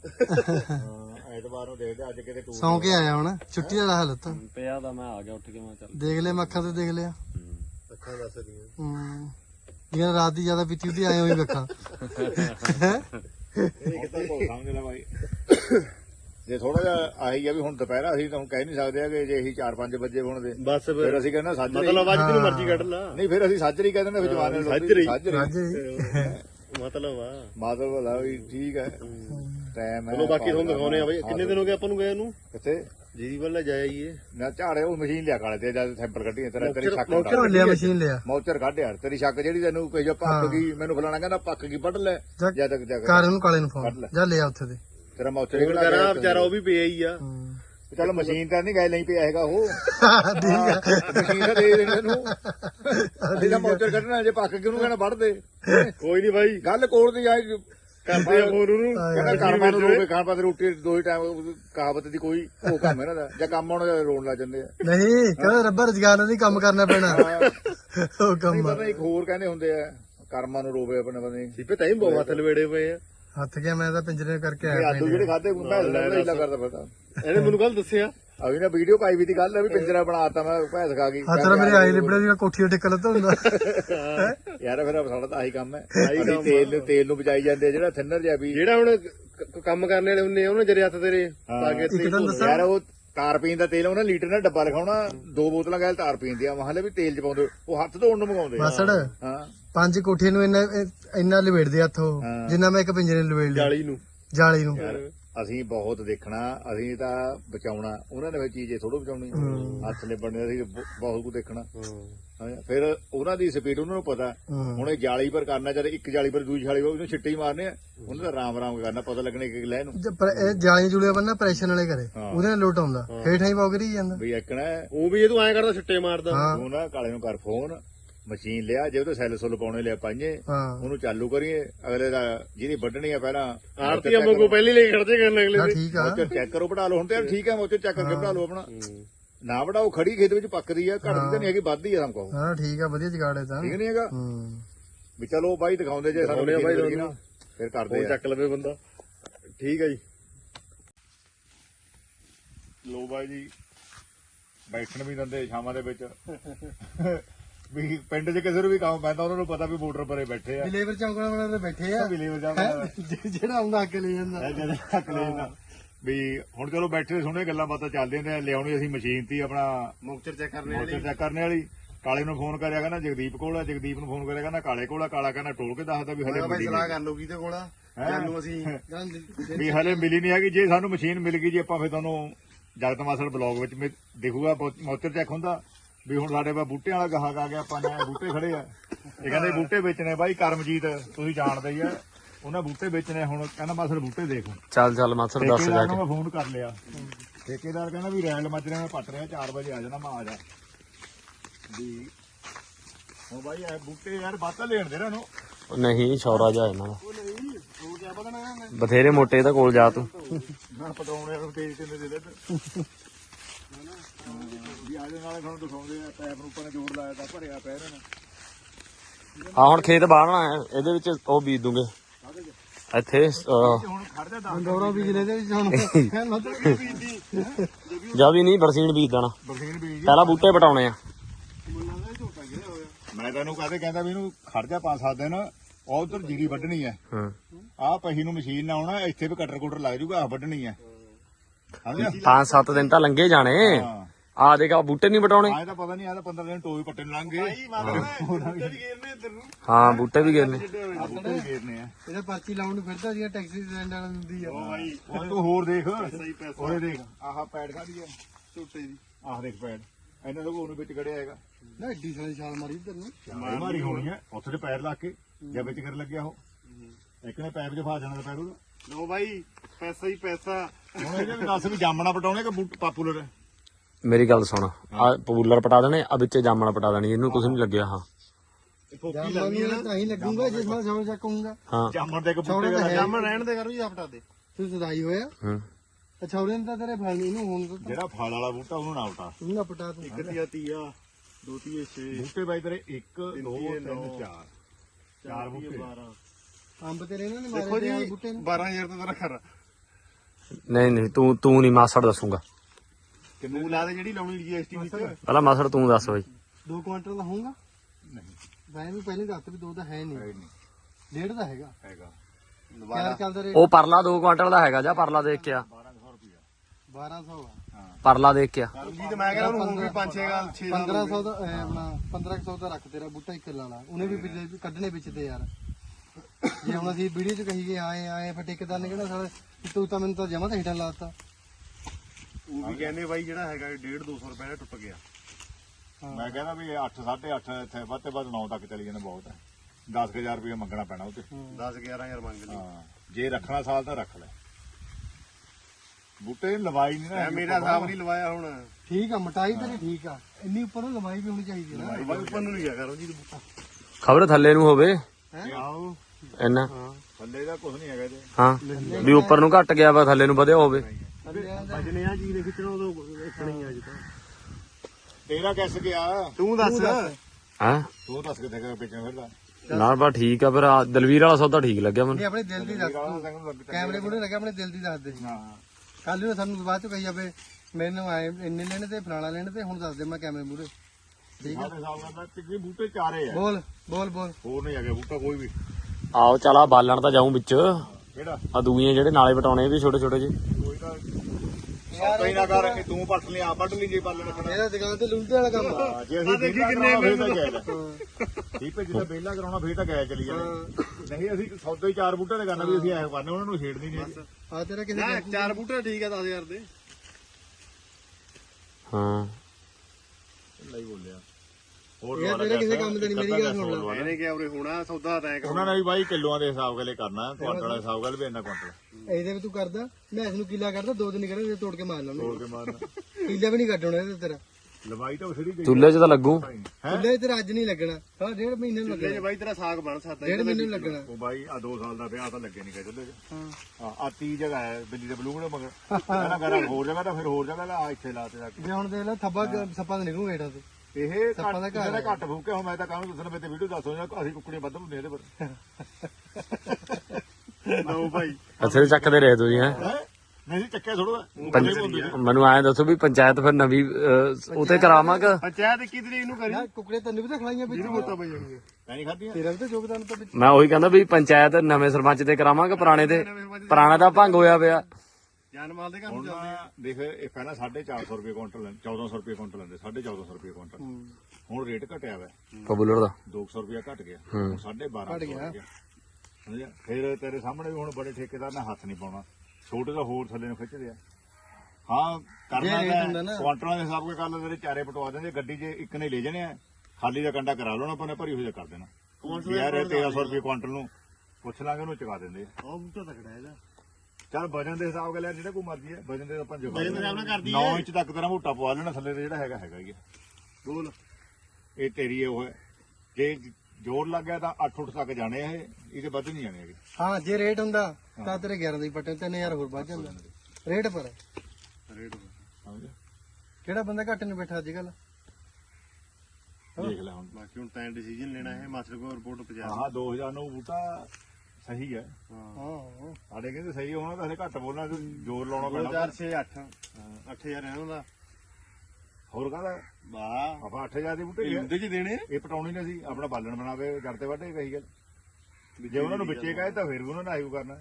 A: ਹਾਂ ਐਤਵਾਰ ਨੂੰ ਦੇਖਦੇ ਅੱਜ ਕਿਤੇ ਟੂਰ
B: ਸੌਂ ਕੇ ਆਇਆ ਹੁਣ ਛੁੱਟੀ ਵਾਲਾ ਹਾਲਤ
C: ਪਿਆ ਤਾਂ ਮੈਂ ਆ ਗਿਆ ਉੱਠ ਕੇ ਮੈਂ ਚੱਲ
B: ਦੇਖ ਲਿਆ ਮੈਂ ਅੱਖਾਂ ਤੇ ਦੇਖ ਲਿਆ
D: ਅੱਖਾਂ ਦੱਸਦੀਆਂ
B: ਹੂੰ ਜਿਹਨਾਂ ਰਾਤ ਦੀ ਜ਼ਿਆਦਾ ਪੀਤੀ ਉਹਦੀ ਆਏ ਹੋਈ ਅੱਖਾਂ
A: ਇਹ ਕਿਤਾ ਕੋ ਸਮਝ ਲੈ ਭਾਈ ਜੇ ਥੋੜਾ ਜਿਹਾ ਆਹੀ ਆ ਵੀ ਹੁਣ ਦੁਪਹਿਰਾ ਅਸੀਂ ਤਾਂ ਹੁਣ ਕਹਿ ਨਹੀਂ ਸਕਦੇ ਕਿ ਜੇ ਅਸੀਂ ਚਾਰ ਪੰਜ ਵਜੇ ਹੁਣ ਦੇ
D: ਬਸ
A: ਫਿਰ
D: ਫਿਰ
A: ਅਸੀਂ ਕਹਿੰਦਾ ਸਾਜਰੀ
D: ਮਤਲਬ ਅੱਜ ਤੈਨੂੰ ਮਰਜ਼ੀ ਕੱਢ ਲਾ
A: ਨਹੀਂ ਫਿਰ ਅਸੀਂ ਸਾਜਰੀ ਕਹਿ ਦਿੰਦੇ ਫਿਰ ਜਵਾਨ ਨੂੰ
D: ਸਾਜਰੀ।
A: ਸਾਜਰੀ
B: ਰਾਜੇ
D: ਮਤਲਬ ਆ
A: ਮਾਦਰ ਵਾਲਾ ਵੀ ਠੀਕ ਹੈ ਟਾਈਮ ਹੈ
D: ਚਲੋ ਬਾਕੀ ਤੁਹਾਨੂੰ ਦਿਖਾਉਣੇ ਆ ਬਾਈ ਕਿੰਨੇ ਦਿਨ ਹੋ ਗਏ ਆਪਾਂ ਨੂੰ ਗਏ ਨੂੰ
A: ਕਿੱਥੇ
D: ਜੀਰੀ ਵੱਲ ਜਾਈਏ
A: ਨਾ ਝਾੜੇ ਉਹ ਮਸ਼ੀਨ ਲਿਆ ਕਾਲੇ ਤੇ ਜਦ ਸੈਂਪਲ ਕੱਢੀ ਤੇਰਾ ਤੇਰੀ ਸ਼ੱਕ
B: ਕਿਉਂ ਲਿਆ ਮਸ਼ੀਨ ਲਿਆ
A: ਮੌਚਰ ਕੱਢ ਯਾਰ ਤੇਰੀ ਸ਼ੱਕ ਜਿਹੜੀ ਤੈਨੂੰ ਕੋਈ ਜੋ ਪੱਕ ਗਈ ਮੈਨੂੰ ਫਲਾਣਾ ਕਹਿੰਦਾ ਪੱਕ ਗਈ ਵੱਢ ਲੈ
B: ਜਾ
A: ਜਦ ਤੱਕ ਜਾ
B: ਕਰ ਉਹਨੂੰ ਕਾਲੇ ਨੂੰ ਫੋਨ ਜਾ ਲਿਆ ਉੱਥੇ ਤੇ
A: ਤੇਰਾ ਮੌਚਰ
D: ਫੋਨ ਕਰਾਂ ਵਿਚਾਰਾ ਉਹ ਵੀ ਪਿਆ ਹੀ ਆ
B: ਹੂੰ।
A: ਚਲ ਮਸ਼ੀਨ ਤਾਂ ਨਹੀਂ ਗਏ ਨਹੀਂ ਪਿਆ ਹੈਗਾ ਉਹ
B: ਠੀਕ ਆ
A: ਮਸ਼ੀਨ ਤਾਂ ਦੇ ਦੇਣੀ ਤੈਨੂੰ ਇਹਦਾ ਮੌਚਰ ਕੱਢਣਾ ਜੇ ਪੱਕ ਕੇ ਉਹਨੂੰ ਕਹਿੰਦਾ ਵੱਢ ਦੇ
D: ਕੋਈ ਨਹੀਂ ਬਾਈ
A: ਗੱਲ ਕੋਲ ਦੀ ਆਈ
D: ਕਰਦੇ ਆ ਫੋਨ ਉਹਨੂੰ
A: ਕਹਿੰਦਾ ਕਰਮਾਂ ਨੂੰ ਰੋਵੇ ਖਾਣ ਪਾਤੇ ਰੋਟੀ ਦੋ ਹੀ ਟਾਈਮ ਕਹਾਵਤ ਦੀ ਕੋਈ ਉਹ ਕੰਮ ਇਹਨਾਂ ਦਾ ਜਾਂ ਕੰਮ ਆਉਣਾ ਜਾਂ ਰੋਣ ਲੱਗ ਜਾਂਦੇ ਆ
B: ਨਹੀਂ ਕਹਿੰਦਾ ਰੱਬਾ ਰੁਜ਼ਗਾਰ ਨਹੀਂ ਕੰਮ ਕਰਨਾ ਪੈਣਾ ਉਹ
A: ਨਹੀਂ
B: ਕੰਮ ਆ।
A: ਪਤਾ ਇੱਕ ਹੋਰ ਕਹਿੰਦੇ ਹੁੰਦੇ ਆ ਕਰਮਾਂ ਨੂੰ ਰੋਵੇ ਆਪਣੇ ਬੰਦੇ
D: ਸਿੱਪੇ ਤਾਂ ਹੀ ਬਹੁਤ ਹੱਥ ਲਵੇੜੇ ਪਏ ਆ
B: ਹੱਥ ਗਿਆ ਮੈਂ ਤਾਂ ਪਿੰਜਰੇ ਕਰਕੇ
A: ਇਹ
B: ਆਇਆ
A: ਆਲੂ ਜਿਹੜੇ ਖਾਦੇ ਭੈਸ ਦਾ ਹੀਲਾ ਕਰਦਾ ਪਤਾ
D: ਇਹਨੇ ਮੈਨੂੰ ਕੱਲ ਦੱਸਿਆ
A: ਅਭੀ ਨਾ ਵੀਡੀਓ ਪਾਈ ਵੀ ਦੀ ਗੱਲ ਹੈ ਵੀ ਪਿੰਜਰਾ ਬਣਾਤਾ ਮੈਂ ਭੈਸ ਖਾ ਗਈ
B: ਹੱਥ ਨਾਲ ਮੇਰੇ ਆਈ ਲਿਬੜੇ ਦੀ ਕੋਠੀ ਉੱਤੇ ਕਲਤ ਹੁੰਦਾ
A: ਯਾਰ ਫਿਰ ਸਾਡਾ ਤਾਂ ਆਹੀ ਕੰਮ ਹੈ ਅਸੀਂ ਤੇਲ ਨੂੰ ਤੇਲ ਨੂੰ ਬਚਾਈ ਜਾਂਦੇ ਆ, ਜਿਹੜਾ ਥਿਨਰ ਜਿਹਾ ਵੀ
D: ਜਿਹੜਾ ਹੁਣ ਕ- ਕੰਮ ਕਰਨ ਵਾਲੇ ਹੁੰਨੇ ਆ ਉਹਨਾਂ ਜਰੇ ਹੱਥ ਤੇਰੇ ਪਾ ਕੇ
B: ਇੱਕ ਦਿਨ ਦੱਸਾਂ
A: ਯਾਰ ਉਹ ਤਾਰ ਪੀਣ ਦਾ ਤੇਲ ਉਹਨਾਂ ਲੀਟਰ ਨਾਲ ਡੱਬਾ ਲਿਖਾਉਣਾ ਦੋ ਬੋਤਲਾਂ ਗੈਲ ਤਾਰ ਪੀਣ ਦੀਆਂ ਮਹਾਲੇ ਵੀ ਤੇਲ ਚ ਪਾਉਂਦੇ ਉਹ ਹੱਥ ਧੋਣ ਨੂੰ ਮੰਗਾਉਂਦੇ ਆ।
B: ਮਾਸੜ
A: ਹਾਂ
B: ਪੰਜ ਕੋਠੀਆਂ ਨੂੰ ਇੰਨਾ ਇੰਨਾ ਲਵੇੜਦੇ ਹੱਥ ਉਹ
A: ਹਾਂ।
B: ਜਿੰਨਾ ਮੈਂ ਇੱਕ ਪਿੰਜਰੇ ਨੂੰ ਲਵੇੜ ਲਿਆ
D: ਜਾਲੀ ਨੂੰ
B: ਜਾਲੀ ਨੂੰ
A: ਯਾਰ ਅਸੀਂ ਬਹੁਤ ਦੇਖਣਾ ਅਸੀਂ ਤਾਂ ਬਚਾਉਣਾ ਉਹਨਾਂ ਨੇ ਫਿਰ ਚੀਜ਼ ਥੋੜੋ ਬਚਾਉਣੀ ਹੱਥ ਲਿਬੜਨੇ ਅਸੀਂ ਬ- ਬਹੁਤ ਕੁ ਦੇਖਣਾ ਹਾਂ, ਫਿਰ ਉਹਨਾਂ ਦੀ ਸਪੀਡ ਉਹਨਾਂ ਨੂੰ ਪਤਾ
B: ਹੂੰ।
A: ਹੁਣ ਇਹ ਜਾਲੀ ਪਰ ਕਰਨਾ ਜਦ ਇੱਕ ਜਾਲੀ ਪਰ ਦੂਜੀ ਜਾਲੀ ਪਰ ਉਹਨੂੰ ਛਿੱਟੇ ਹੀ ਮਾਰਨੇ ਆ ਉਹਨੂੰ ਤਾਂ ਰਾਮ ਰਾਮ ਕਰਨਾ ਪਤਾ ਲੱਗਣੇ ਕਿ ਲੈ ਨੂੰ
B: ਜੇ ਪਰ ਇਹ ਜਾਲੀਆਂ ਜੁਲੀਆਂ ਬੰਨਾ ਪ੍ਰੈਸ਼ਰ ਨਾਲੇ ਕਰੇ
A: ਹਾਂ।
B: ਉਹਦੇ ਨਾਲ ਲੋਟ ਆਉਂਦਾ ਹੇਠਾਂ ਹੀ ਵਗਰੀ ਜਾਂਦਾ
A: ਵੀ ਇੱਕਣਾ
D: ਉਹ ਵੀ ਇਹ ਤੂੰ ਐਂ ਕਰਦਾ ਛਿੱਟੇ ਮਾਰਦਾ
B: ਹਾਂ
A: ਤੂੰ ਨਾ ਕਾਲੇ ਨੂੰ ਕਰ ਫੋਨ ਮਸ਼ੀਨ ਲਿਆ ਜੇ ਉਹਦੇ ਸੈੱਲ ਸੁੱਲ ਪਾਉਣੇ ਲਿਆ ਪਾਈਏ
B: ਹਾਂ
A: ਉਹਨੂੰ ਚਾਲੂ ਕਰੀਏ ਅਗਲੇ ਦਾ ਜਿਹਦੀ ਵੱਢਣੀ ਆ ਪਹਿਲਾਂ
D: ਆਰਤੀਆਂ ਵਾਂਗੂ ਪਹਿਲੀ ਲੈ ਕੇ ਖੜਦੇ ਕਰਨ ਅਗਲੇ
B: ਨਾ
D: ਦੇ
B: ਠੀਕ ਆ
A: ਮੋਚਰ ਚੈੱਕ ਕਰੋ ਵਢਾ ਲਓ ਹੁਣ ਤੇ ਯਾਰ ਠੀਕ ਹੈ ਮੋਚਰ ਚੈੱਕ ਕਰਕੇ ਵਢਾ ਲਓ ਆਪਣਾ ਨਾ ਵਢਾਓ ਖੜੀ ਖੇਤ ਵਿੱਚ ਪੱਕਦੀ ਆ ਘੜਦੀ ਤਾਂ ਨਹੀਂ ਹੈਗੀ ਵੱਧਦੀ ਆ ਹਮ ਕਹੋ
B: ਹਾਂ ਠੀਕ ਆ ਵਧੀਆ ਜਗਾੜੇ ਤਾਂ
A: ਠੀਕ ਨਹੀਂ ਹੈਗਾ
B: ਹੂੰ
A: ਵੀ ਚਲੋ ਬਾਈ ਦਿਖਾਉਂਦੇ ਜੇ ਸਾਨੂੰ
D: ਦਿਖਾਉਂਦੇ ਆ ਬਾਈ
A: ਮਸ਼ੀਨ ਨਾ ਫਿਰ ਕਰਦੇ
D: ਫੋਨ
A: ਆ
D: ਚੱਕ ਲਵੇ ਬੰਦਾ ਠੀਕ ਆ ਜੀ
A: ਲੋ ਬਾਈ ਜੀ ਬੈਠਣ ਵੀ ਦਿੰਦੇ ਸ਼ਾਮਾਂ ਦੇ ਵਿੱਚ ਵੀ ਪਿੰਡ 'ਚ ਕਿਸੇ ਨੂੰ ਵੀ ਕੰਮ ਪੈਂਦਾ ਉਹਨਾਂ ਨੂੰ ਪਤਾ ਵੀ ਮੋਟਰ ਪਰੇ ਬੈਠੇ ਆ
B: ਲੇਬਰ ਚੌਂਕਣ ਵਾਲੇ ਤੇ ਬੈਠੇ ਆ
A: ਵੀ ਲੇਵਰ ਜਾਂਦਾ
B: ਜਿਹੜਾ ਆਉਂਦਾ ਅੱਗੇ ਲੈ ਜਾਂਦਾ
A: ਜਦੋਂ ਤੱਕ ਲੈਂਦਾ ਵੀ ਹੁਣ ਚਲੋ ਬੈਠੇ ਸੋਹਣੇ ਗੱਲਾਂ ਬਾਤਾਂ ਚੱਲਦੀਆਂ ਨੇ ਲਿਆਉਣੀ ਅਸੀਂ ਮਸ਼ੀਨ ਤੀ ਆਪਣਾ
D: ਮੌਕਚਰ ਚੈੱਕ ਕਰਨੇ
A: ਮੋਟਰ ਚੈੱਕ ਕਰਨੇ ਵਾਲੀ ਕਾਲੇ ਨੂੰ ਫੋਨ ਕਰਿਆ ਕਹਿੰਦਾ ਜਗਦੀਪ ਕੋਲ ਆ ਜਗਦੀਪ ਨੂੰ ਫੋਨ ਕਰਿਆ ਕਹਿੰਦਾ ਕਾਲੇ ਕੋਲ ਆ ਕਾਲਾ ਕਹਿੰਦਾ ਟੋਲ ਕੇ ਦੱਸਦਾ ਵੀ ਹਲੇ
D: ਬਾਈ
A: ਮਿਲੀ
D: ਸਲਾਹ ਕਰ ਲਓ ਕਿਤੇ ਕੋਲਾ ਜਾਨੂੰ ਅਸੀਂ
A: ਨਹੀਂ ਵੀ ਹਲੇ ਮਿਲੀ ਨਹੀਂ ਹੈਗੀ ਜੇ ਸਾਨੂੰ ਮਸ਼ੀਨ ਮਿਲ ਗਈ ਜੀ ਆਪਾਂ ਫਿਰ ਤੁਹਾਨੂੰ
E: ਜਗਤ ਮਾਸੜ ਬਲੌਗ ਵਿੱਚ ਮੇ- ਦਿਖੂਗਾ ਮੌਚਰ ਚੈੱਕ ਹੁੰਦਾ ਵੀ ਹੁਣ ਸਾਡੇ ਪਾ ਬੂਟਿਆਂ ਵਾਲਾ ਗਾਹਕ ਆ ਗਿਆ ਆਪਾਂ ਨੇ ਬੂਟੇ ਖੜੇ ਆ ਇਹ ਕਹਿੰਦੇ ਬੂਟੇ ਵੇਚਣੇ ਬਾਈ ਕਰਮਜੀਤ ਤੁਸੀਂ ਜਾਣਦੇ ਹੀ ਆ ਉਹਨਾਂ ਬੂਟੇ ਵੇਚਣੇ ਹੁਣ ਕਹਿੰਦਾ ਮਾਸੜ ਬੂਟੇ ਦੇਖ
C: ਚੱਲ ਚੱਲ ਮਾਸੜ ਦੱਸ ਜਾ
E: ਠੇਕੇਦਾਰ
C: ਕੇ
E: ਨੂੰ ਮੈਂ ਫੋਨ ਕਰ ਲਿਆ ਠੇਕੇਦਾਰ ਕਹਿੰਦਾ ਵੀ ਰੈਲ ਮੱਜਰੇ ਮੈਂ ਪੱਟ ਰਿਹਾ ਚਾਰ ਵਜੇ ਆ ਜਾਣਾ ਮੈਂ ਆ ਜਾ ਵੀ ਹੁਣ ਬਾਈ ਇਹ ਬੂਟੇ ਯਾਰ ਬਾਤਾਂ ਲੈਣ ਦੇ ਇਹਨਾਂ ਨੂੰ
C: ਨਹੀਂ ਛੌਰਾ ਜਾ ਇਹਨਾਂ ਦਾ ਬਥੇਰੇ ਮੋਟੇ ਇਹਦੇ ਕੋਲ ਜਾ ਤੂੰ
E: ਨਾ ਪਟਾਉਣੇ ਨੂੰ ਤੇਜ਼ ਕਿੰਨੇ ਦੇ ਦੇ ਵੀ ਆਲੇ ਨਾਲੇ ਤੁਹਾਨੂੰ ਦਿਖਾਉਂਦੇ ਆ ਪੈਪ ਨੂੰ ਉੱਪਰ ਨੇ ਜੋੜ ਲਾਇਆ ਤਾਂ ਭਰਿਆ ਪੈ ਇਹਨਾਂ ਨੇ
C: ਆ ਹੁਣ ਖੇਤ ਬਾਹਣਾ ਹੈ ਇਹਦੇ ਵਿੱਚ ਉਹ ਬੀਜ ਦੂੰਗੇ ਇੱਥੇ ਅਹ,
E: ਹੁਣ ਖੜ ਜਾ ਦੱਸ
B: ਗੌਰਾ ਬਿਜਲੇ ਦੇ ਵਿੱਚ ਹੁਣ ਮਤਲਬ
C: ਜਾਂ ਵੀ ਨਹੀਂ ਬਰਸੀਨ ਬੀਜ ਦੇਣਾ
E: ਬਰਸੀਨ ਬੀਜ
C: ਪਹਿਲਾਂ ਬੂਟੇ ਪਟਾਉਣੇ ਆ
E: ਮੈਂ ਤੈਨੂੰ ਕਹਦੇ ਕਹਿੰਦਾ ਵੀ ਇਹਨੂੰ ਖੜ ਜਾ ਪੰਜ ਸੱਤ ਦਿਨ ਉਹ ਉਧਰ ਜੀਰੀ ਵੱਢਣੀ ਹੈ
C: ਹਾਂ
E: ਆਹ ਪਹੀ ਨੂੰ ਮਸ਼ੀਨ ਨਾ ਆਉਣਾ ਇੱਥੇ ਵੀ ਕਟਰ ਕੁਟਰ ਲੱਗ ਜੂਗਾ ਆਹ ਵੱਢਣੀ ਹੈ ਸਮਝਿਆ
C: ਪੰਜ ਸੱਤ ਦਿਨ ਤਾਂ ਲੰਘੇ ਜਾਣੇ
E: ਹਾਂ
C: ਆ ਦੇਖ ਆ ਬੂਟੇ ਨਹੀਂ ਪਟਾਉਣੇ
E: ਆਏ ਤਾਂ ਪਤਾ ਨਹੀਂ ਆ ਤਾਂ ਪੰਦਰਾਂ ਦਿਨ ਟੋਏ ਪੱਟੇ ਨੂੰ ਲੰਘ ਗਏ
C: ਹਾਂ ਬੂਟੇ ਵੀ ਗਏ ਨੇ
E: ਆਹ ਬੂਟੇ ਵੀ ਗੇਰਨੇ ਆ
B: ਇਹਦਾ ਪਰਚੀ ਲਾਉਣ ਨੂੰ ਫਿਰਦਾ ਸੀਗਾ ਟੈਕਸੀ ਸਟੈਂਡ ਵਾਲਾ ਦਿੰਦੀ ਆ
E: ਉਹ ਤੂੰ ਹੋਰ ਦੇਖ ਉਹਦੇ ਦੇਖ ਆਹ ਪੈਡ ਖਾਦੀ ਆ
B: ਝੋਟੇ ਦੀ
E: ਆਹ ਦੇਖ ਪੈਡ ਇਹਨਾਂ ਨੂੰ ਉਹਨੂੰ ਵਿੱਚ ਗੜਿਆ ਹੈਗਾ
B: ਨਾ ਏਡੀ ਸਾਲੀ ਛਾਲ ਮਾਰੀ ਇੱਧਰ ਨੂੰ
E: ਮਾਰੀ ਹੋਣੀ ਹੈ ਉੱਥੇ ਤੇ ਪੈਰ ਲਾ ਕੇ ਜਾਂ ਵਿੱਚ ਕਰ ਲੱਗਿਆ ਉਹ ਇੱਕ ਨੇ ਪੈਪ 'ਚ ਫਾ ਜਾਣਾ ਤਾਂ ਪੈਰ ਉਹਦਾ
D: ਲੋ ਬਾਈ ਪੈਸਾ ਹੀ ਪੈਸਾ
E: ਹੁਣ ਇਹਦੇ ਵੀ ਦੱਸ ਵੀ ਜਾਮਣਾ ਪਟਾਉਣੇ ਕਿ ਪਾਪੂਲਰ ਹੈ
C: ਮੇਰੀ ਗੱਲ ਸੁਣ ਆ ਪਪੂਲਰ ਪਟਾ ਦੇਣੇ ਆ ਵਿੱਚੇ ਜਾਮਣਾ ਪਟਾ ਦੇਣੀ ਇਹਨੂੰ ਕੁਝ ਨਹੀਂ ਲੱਗਿਆ ਹਾਂ
E: ਫੋਕੀ
B: ਜਾਮਨ ਨੂੰ ਤਾਂ ਹੀ ਲੱਗੂਗਾ ਜਿਸ ਨਾਲ ਸਮਝ ਚੱਕੂਗਾ
C: ਹਾਂ
E: ਜਾਮਣ ਦੇ ਇੱਕ
B: ਛੌੜੇ
E: ਬੂਟੇ
B: ਤਾਂ
E: ਦਾ
B: ਹੈ।
D: ਜਾਮਣ ਰਹਿਣ ਦੇ ਕਰੂ ਜੀ ਆਪਟਾ ਦੇ
B: ਤੂੰ ਸਦਾਈ ਹੋਇਆ
C: ਹੂੰ
B: ਅੱਛਾ ਉਹਨੇ ਤਾਂ ਤੇਰੇ ਫਲ ਨਹੀਂ ਨੂੰ ਹੁਣ ਤਾਂ
E: ਜਿਹੜਾ ਫਲ ਵਾਲਾ ਬੂਟਾ ਉਹਨੂੰ ਨਾ ਉਟਾ
B: ਤੂੰ ਨਾ ਪਟਾ ਤੂੰ
D: ਇੱਕ ਤੀਆ ਤੀਆ ਦੋ ਤੀਏ ਛੇ
E: ਬੂਟੇ ਬਾਈ ਤੇਰੇ ਇੱਕ ਦੋ
D: ਤੀਏ
E: ਤਿੰਨ
D: ਨੌ,
E: ਚਾਰ ਚਾਰ ਬੂਟੇ
D: ਬਾਰਾਂ
B: ਅੰਬ ਤੇਰੇ ਇਹਨਾਂ ਨੇ
D: ਦੇਖੋ
B: ਮਾਰੇ ਤੇ
D: ਜੀ
B: ਆ ਬੂਟੇ ਨੂੰ
D: ਬਾਰਾਂ ਹਜ਼ਾਰ ਤਾਂ ਤੇਰਾ ਖਰਾ
C: ਨਹੀਂ ਨਹੀਂ ਤੂੰ ਤੂੰ ਨਹੀਂ ਮਾਸੜ ਦੱਸੂਗਾ
D: ਤੂੰ ਲਾ ਦੇ ਜਿਹੜੀ ਲਾਉਣੀ ਜੀਐਸਟੀ ਵਿੱਚ
C: ਪਹਿਲਾਂ ਮਾਸੜ ਤੂੰ ਦੱਸ ਬਈ
B: ਦੋ ਕੁਆਂਟਲ ਦਾ ਹੋਊਗਾ
E: ਨਹੀਂ
B: ਮੈਂ ਵੀ ਪਹਿਲੇ ਦੱਸ ਵੀ ਦੋ ਤਾਂ ਹੈ ਨਹੀਂ
E: ਹੈ ਨਹੀਂ
B: ਡੇਢ ਦਾ ਹੈਗਾ
E: ਹੈਗਾ
B: ਯਾਰ ਚੱਲਦਾ ਰੇ
C: ਉਹ ਪਰਲਾ ਦੋ ਕੁਆਂਟਲ ਦਾ ਹੈਗਾ ਜਾਂ ਪਰਲਾ ਦੇਖ ਕੇ ਆ
E: ਬਾਰਾਂ ਸੌ ਰੁਪਇਆ
B: ਬਾਰਾਂ ਸੌ ਆ
C: ਪਰਲਾ ਦੇਖ ਕੇ ਆ
D: ਜੀ ਤੇ ਮੈਂ ਕਹਿੰਦਾ ਉਹਨੂੰ ਹੁਣ ਵੀ ਪੰਜ ਛੇ ਗਾਲ ਛੇ ਸਾਲ
B: ਪੰਦਰਾਂ ਸੌ ਦਾ ਇਹ ਆਪਣਾ ਪੰਦਰਾਂ ਸੌ ਦਾ ਰੱਖ ਤੇਰਾ ਬੂਟਾ ਇੱਕ ਲਾਣਾ ਉਹਨੇ ਵੀ ਵਿੱਚ ਕੱਢਣੇ ਵਿੱਚ ਤੇ ਯਾਰ ਜੇ ਹੁਣ ਅਸੀਂ ਵੀਡੀਓ ਚ ਕਹੀਏ ਆਏ ਆਏ ਫਿਰ ਠੇਕੇਦਾਰ ਨੇ ਕਿਹੜਾ ਸਾਲੇ ਤੂੰ ਤਾਂ ਮੈਨੂੰ ਤਾਂ ਜਮਾ ਤਾਂ ਹੀਟਾਂ ਲਾਤਾ
D: ਉਹ ਵੀ ਕਹਿੰਦੇ ਬਾਈ ਜਿਹੜਾ ਹੈਗਾ ਡੇਢ ਦੋ ਸੌ ਰੁਪਏ ਦਾ ਟੁੱਟ ਗਿਆ
E: ਮੈਂ ਕਹਿੰਦਾ ਵੀ ਅੱਠ ਸਾਢੇ ਅੱਠ ਇੱਥੇ ਵੱਧ ਤੇ ਵੱਧ ਨੌ ਤੱਕ ਚਲੀ ਜਾਂਦੇ ਬਹੁਤ ਹੈ ਦਸ ਹਜ਼ਾਰ ਰੁਪਏ ਮੰਗਣਾ ਪੈਣਾ ਉੱਤੇ
D: ਦਸ ਗਿਆਰਾਂ ਹਜ਼ਾਰ ਮੰਗ ਲਈ
E: ਹਾਂ ਜੇ ਰੱਖਣਾ ਸਾਲ ਤਾਂ ਰੱਖ ਲੈ ਬੂਟੇ ਦੀ ਲਵਾਈ ਨਹੀਂ ਨਾ
D: ਮੈਂ
E: ਹੈਗੀ
D: ਮੇਰਾ
E: ਉੱਪਰ
D: ਹਿਸਾਬ ਨਹੀਂ ਲਵਾਇਆ ਹੁਣ
B: ਠੀਕ ਆ ਮਟਾਈ ਤੇਰੀ ਠੀਕ ਆ ਇੰਨੀ ਉੱਪਰ ਨੂੰ ਲੰਬਾਈ ਵੀ ਹੋਣੀ ਚਾਹੀਦੀ ਹੈ ਨਾ
D: ਬਾਈ ਉੱਪਰ ਨੂੰ ਨਹੀਂ ਗਿਆ ਕਰੋ ਜੀ ਬੂਟਾ
C: ਖਬਰ ਥੱਲੇ ਨੂੰ ਹੋਵੇ
D: ਆਓ
C: ਇੰਨਾ
E: ਥੱਲੇ ਦਾ ਕੁਝ ਨਹੀਂ ਹੈਗਾ ਜੇ
C: ਹਾਂ ਵੀ ਉੱਪਰ ਨੂੰ ਘਟ ਗਿਆ ਵਾ ਥੱਲੇ ਨੂੰ ਵਧਿਆ ਹੋਵੇ
D: ਵਜਨੇ ਆ ਜੀ ਦੇ ਖਿੱਚਣਾ ਉਦੋਂ ਇੱਕਣੀ ਆ ਜੀ ਤਾਂ
E: ਤੇਰਾ ਕਿਸ ਗਿਆ
D: ਤੂੰ ਦੱਸ
C: ਹਾਂ
E: ਤੂੰ ਦੱਸ ਕਿੱਥੇ ਗਿਆ ਪਿੱਛੇ ਫਿਰਦਾ
C: ਨਾ ਬਾ ਠੀਕ ਆ ਫਿਰ ਆਹ ਦਲਵੀਰ ਵਾਲਾ ਸੌਦਾ ਠੀਕ ਲੱਗਿਆ ਮੈਨੂੰ
B: ਇਹ ਆਪਣੇ ਦਿਲ ਦੀ ਦੱਸ ਤੂੰ ਕੈਮਰੇ ਮੂਹਰੇ ਲੱਗਾ ਆਪਣੇ ਦਿਲ ਦੀ ਦੱਸ ਦੇ
E: ਹਾਂ
B: ਕੱਲ ਨੂੰ ਸਾਨੂੰ ਬਾਅਦ ਚ ਕਹੀ ਜਾਵੇ ਮੈਨੂੰ ਆਏ ਇੰਨੇ ਲੈਣੇ ਤੇ ਫਲਾਣਾ ਲੈਣੇ ਤੇ ਹੁਣ ਦੱਸ ਦੇ ਮੈਂ ਕੈਮਰੇ ਮੂਹਰੇ ਠੀਕ ਆ
E: ਸਾਡੇ ਹਿਸਾਬ ਨਾਲ ਟਿੱਕੀ ਬੂਟੇ ਚਾਰੇ ਆ
B: ਬੋਲ ਬੋਲ ਬੋਲ
E: ਹੋਰ ਨਹੀਂ ਹੈਗਾ ਬੂਟਾ ਕੋਈ ਵੀ
C: ਆਓ ਚੱਲ ਆ ਬਾਲਣ ਤਾਂ ਜਾਊਂ ਵਿੱਚ
E: ਕਿਹੜਾ
C: ਆ ਦੂਈਆਂ ਜਿਹੜੇ ਨਾਲੇ ਪਟਾਉਣੇ ਵੀ ਛੋਟੇ ਛੋਟੇ ਜਿਹੇ
E: ਕੋਈ ਤਾਂ ਸੌਦਾ ਹੀ ਨਾ ਕਰ ਕਿ ਤੂੰ ਪੱਟ ਲਈ ਆ ਪੱਟ ਲਈ ਜੇ ਬਾਲਣ ਰੱਖਣਾ
B: ਇਹਦਾ ਦੁਕਾਨ ਤੇ ਲੁੱਟੇ ਵਾਲਾ ਕੰਮ ਆ
E: ਹਾਂ, ਜੇ ਅਸੀਂ ਦੇਖੀ ਕਿੰਨੇ ਫੇਰ ਤਾਂ ਗਏ ਠੀਕ ਹੈ ਜਿੱਦਾਂ ਬੇਲਾ ਕਰਾਉਣਾ ਫੇਰ ਤਾਂ ਗਏ ਚਲੀ ਜਾਣੇ ਨਹੀਂ ਅਸੀਂ ਸੌਦਾ ਹੀ ਚਾਰ ਬੂਟੇ ਦੇ ਕਰਨਾ ਵੀ ਅਸੀਂ ਐ ਕਰਨੇ ਉਹਨਾਂ ਨੂੰ ਛੇੜਨੀ ਨਹੀਂ
B: ਆ ਤੇਰਾ ਕਿਸੇ
D: ਨਾ ਚਾਰ ਬੂਟੇ ਠੀਕ ਆ ਦਸ ਹਜ਼ਾਰ ਦੇ
C: ਹਾਂ
E: ਲਈ ਬੋਲਿਆ ਹੋਰ
B: ਇਹ ਤੇਰੇ ਕਿਸੇ ਕੰਮ ਤੇ ਨਹੀਂ ਮੇਰੀ ਗੱਲ ਸੁਣ ਲੈ
D: ਇਹਨੇ ਕਿਹਾ ਉਰੇ ਹੋਣਾ ਸੌਦਾ ਤੈਂ
E: ਉਹਨਾਂ ਨੇ ਵੀ ਬਾਈ ਕਿਲੋਆਂ ਦੇ ਹਿਸਾਬ ਗਲੇ ਕਰਨਾ ਕੁਆਂਟਲ ਦੇ ਹਿਸਾਬ ਗਲ ਵੀ ਇੰਨਾ ਕੁਆਂਟਲ
B: ਇਹਦੇ ਵੀ ਤੂੰ ਕਰਦਾ ਮੈਂ ਇਸ ਨੂੰ ਕਿੱਲਾ ਕਰਦਾ ਦੋ ਦਿਨ ਕਰੇ ਤੋੜ ਕੇ ਮਾਰ ਲਾਉਂਦਾ
E: ਤੋੜ ਕੇ ਮਾਰਨਾ
B: ਕਿੱਲਾ ਵੀ ਨਹੀਂ ਕੱਢਣਾ ਇਹਦੇ ਤੇਰਾ
E: ਲਵਾਈ ਤਾਂ ਉਸੜੀ ਗਈ
C: ਚੁੱਲ੍ਹੇ 'ਚ ਤਾਂ ਲੱਗੂ
E: ਹੈ
B: ਕਿੱਲੇ ਤੇਰਾ ਅੱਜ ਨਹੀਂ ਲੱਗਣਾ ਹਾਂ ਡੇਢ ਮਹੀਨੇ ਨੂੰ
D: ਜੇ
B: ਲੱਗਣਾ
D: ਬਾਈ ਤੇਰਾ ਸਾਗ ਬਣ ਸਕਦਾ
B: ਡੇਢ ਮਹੀਨੇ ਨੂੰ ਲੱਗਣਾ
E: ਉਹ ਬਾਈ ਆ ਦੋ ਸਾਲ ਦਾ ਵਿਆਹ ਤਾਂ ਲੱਗੇ ਨਹੀਂ ਗਏ ਚੱਲੇ
B: ਹਾਂ
E: ਹਾਂ ਆ ਤੀ ਜਗ੍ਹਾ ਹੈ ਬਿੱਲੀ ਦੇ ਬਲੂਗੜੇ ਮਗਰ ਕਹਿੰਦਾ ਘਰ ਹੋਰ ਜਗ੍ਹਾ ਤਾਂ ਫਿਰ ਹੋਰ ਜਗ੍ਹਾ ਲਾ ਇੱਥੇ ਲਾ ਤੇ ਜਾ ਕੇ
B: ਜੇ ਹੁਣ ਦੇਖ ਲੈ ਥੱਬਾ ਸੱਪਾ ਤੇ ਨਿਕਲੂ ਹੇਠਾਂ ਤੇ
E: ਇਹ
B: ਸੱਪਾਂ ਦਾ
E: ਘੱਟ
B: ਘਰ
E: ਇਹਦਾ
B: ਹੈ।
E: ਘੱਟ ਫੂਕੇ ਹੁਣ ਮੈਂ ਤਾਂ ਕਾਹਨੂੰ ਦੱਸਣਾ ਮੈਂ ਤੇ ਵੀਡੀਓ ਦੱਸ ਹੋਣਾ ਅਸੀਂ ਕੁੱਕੜੀਆਂ ਵੱਧ ਹੁੰਦੇ ਇਹਦੇ ਪਰ
D: ਲਓ ਭਾਈ
C: ਇੱਥੇ ਚੱਕਦੇ ਰਹੇ ਤੁਸੀਂ ਹੈ
E: ਹੈਂ? ਨਹੀਂ ਚੱਕਿਆ ਥੋੜਾ
C: ਮੈਨੂੰ ਐਂ ਦੱਸੋ ਵੀ ਪੰਚਾਇਤ ਫਿਰ ਨਵੀਂ ਅਹ, ਉਹ ਤੇ ਕਰਾਵਾਂਗਾ
D: ਪੰਚਾਇਤ ਇੱਕੀ ਤਰੀਕ ਨੂੰ ਕਰੀ
B: ਯਾਰ ਕੁਕੜੇ ਤੈਨੂੰ ਵੀ ਤਾਂ ਖਲਾਈਆਂ ਵਿੱਚ
D: ਵੋਟਾਂ ਪਈ ਜਾਣਗੇ
E: ਮੈਂ ਨਹੀਂ ਖਾਧੀਆਂ
B: ਤੇਰਾ ਵੀ ਤਾਂ ਯੋਗਦਾਨ ਤਾਂ ਵਿੱਚ
C: ਮੈਂ ਉਹੀ ਕਹਿੰਦਾ ਵੀ ਪੰਚਾਇਤ ਨਵੇਂ ਸਰਪੰਚ ਤੇ ਕਰਾਵਾਂਗਾ ਪੁਰਾਣੇ ਤੇ ਪੁਰਾਣਾ ਤਾਂ ਭੰਗ ਹੋਇਆ ਪਿਆ
D: ਜਾਨ ਮਾਲ ਦੇ ਕੰਮ
E: ਹੁਣ
D: ਚੱਲਦੇ ਆ
E: ਦੇਖ ਇਹ ਪਹਿਲਾਂ ਸਾਢੇ ਚਾਰ ਸੌ ਰੁਪਏ ਕੁਇੰਟਲ ਲੈਂਦੇ ਚੌਦਾਂ ਸੌ ਰੁਪਏ ਕੁਇੰਟਲ ਲੈਂਦੇ ਸਾਢੇ ਚੌਦਾਂ ਸੌ ਰੁਪਏ ਕੁਇੰਟਲ ਹੁਣ ਰੇਟ ਘਟਿਆ ਵਾ
C: ਪਪੂਲਰ ਦਾ
E: ਦੋ ਸੌ ਰੁਪਏ ਘਟ ਗਿਆ ਹੁਣ ਸਾਢੇ ਬਾਰਾਂ ਸੌ ਹੋ ਗਿਆ ਸਮਝਿਆ ਫਿਰ ਤੇਰੇ ਸਾਹਮਣੇ ਵੀ ਹੁਣ ਬੜੇ ਠੇਕੇਦਾਰ ਨੇ ਹੱਥ ਨਹੀਂ ਪਾਉਣਾ ਛੋਟੇ ਦਾ ਹੋਰ ਥੱਲੇ ਨੂੰ ਖਿੱਚਦੇ ਆ ਹਾਂ ਕਰਨਾ
B: ਜੇ rate ਹੁੰਦਾ
E: ਤਾਂ
B: ਨਾ।
E: ਕੁਆਂਟਲਾਂ ਦੇ ਹਿਸਾਬ ਕੇ ਕਰ ਲੈ ਤੇਰੇ ਚਾਰੇ ਪਟਵਾ ਦਿੰਦੇ ਗੱਡੀ 'ਚ ਇੱਕ ਨੇ ਲੈ ਜਾਣੇ ਆ ਖਾਲੀ ਦਾ ਕੰਡਾ ਕਰਾ ਲੈਣਾ ਆਪਾਂ ਨੇ ਭਰੀ ਹੋਈ ਕਰ ਦੇਣਾ ਯਾਰ ਇਹ ਤੇਰਾਂ ਸੌ ਰੁਪਏ ਕੁਆਂਟਲ ਨੂੰ ਪੁੱਛ ਲਾਂਗੇ ਉਹਨੂੰ ਚੁਕਾ ਦਿੰਦੇ ਆ
A: ਉਹ ਬੂਟਾ ਤਕੜਾ ਇਹਦਾ
E: ਚੱਲ ਵਜਨ ਦੇ ਹਿਸਾਬ ਨਾਲ ਜਿਹੜਾ ਕੋਈ ਮਰਜ਼ੀ ਹੈ ਵਜਨ ਦੇ ਆਪਾਂ ਜਗਾ
A: ਵਜਨ ਦੇ ਹਿਸਾਬ ਨਾਲ ਕਰਦੀ
E: ਨੌ
A: ਹੈ।
E: ਇੰਚ ਤੱਕ ਤੇਰਾ ਮੋਟਾ ਪਵਾ ਲੈਣਾ ਥੱਲੇ ਤੇ ਜਿਹੜਾ ਹੈਗਾ ਹੈਗਾ ਹੀ ਆ।
A: ਬੋਲ
E: ਇਹ ਤੇਰੀ ਉਹ ਹੈ ਜੇ ਜੋਰ ਲੱਗ ਗਿਆ ਤਾਂ ਅੱਠ ਉੱਠ ਤੱਕ ਜਾਣੇ ਆ ਇਹ ਇਹਦੇ ਵੱਧ ਨਹੀਂ ਜਾਣੇ ਹੈਗੇ
B: ਹਾਂ ਜੇ ਰੇਟ ਹੁੰਦਾ ਤਾਂ ਤੇਰੇ ਗਿਆਰਾਂ ਦੇ ਪੱਟੇ ਤਿੰਨ ਹਜ਼ਾਰ ਹੋਰ ਵੱਧ ਜਾਂਦਾ ਰੇਟ ਪਰ
A: ਰੇਟ
E: ਸਮਝਿਆ
B: ਕਿਹੜਾ ਬੰਦਾ ਘੱਟ ਨਹੀਂ ਬੈਠਾ ਅੱਜ ਕੱਲ
E: ਦੇਖ ਲੈ ਹੁਣ
A: ਬਾਕੀ ਹੁਣ ਤੈਂ ਡਿਸੀਜਨ ਲੈਣਾ ਹੈ ਮਾਸਟਰ ਕੋ ਰਿਪੋਰਟ ਪਹੁੰਚਾ
E: ਹਾਂ ਦੋ ਹਜ਼ਾਰ ਨੂੰ ਬੂਟਾ ਸਹੀ ਹੈ
B: ਹਾਂ
E: ਸਾਡੇ ਕਹਿੰਦੇ ਸਹੀ ਹੋਣਾ ਤਾਂ ਹਲੇ ਘੱਟ ਬੋਲਣਾ ਤੇ ਜ਼ੋਰ ਲਾਉਣਾ
A: ਦੋ
E: ਪੈਣਾ
A: ਹਜ਼ਾਰ ਛੇ ਅੱਠ ਅੱਠ ਹਜ਼ਾਰ ਇਹਨਾਂ ਦਾ
E: ਹੋਰ ਕਾਹਦਾ
A: ਵਾਹ
E: ਆਪਾਂ ਅੱਠ ਹਜ਼ਾਰ ਦੇ ਬੂਟੇ
A: ਇਹ
E: ਲਿਆ
A: ਉਹਦੇ ਚ ਦੇਣੇ
E: ਇਹ ਪਟਾਉਣੀ ਨੇ ਸੀ ਆਪਣਾ ਬਾਲਣ ਬਣਾਵੇ ਜੜ ਤੇ ਵੱਢੇ ਕਹੀ ਗੱਲ ਜੇ ਉਹਨਾਂ ਨੂੰ ਵਿੱਚੇ ਕਹੇ ਤਾਂ ਫਿਰ ਵੀ ਉਹਨਾਂ ਨੇ ਆਇਓ ਕਰਨਾ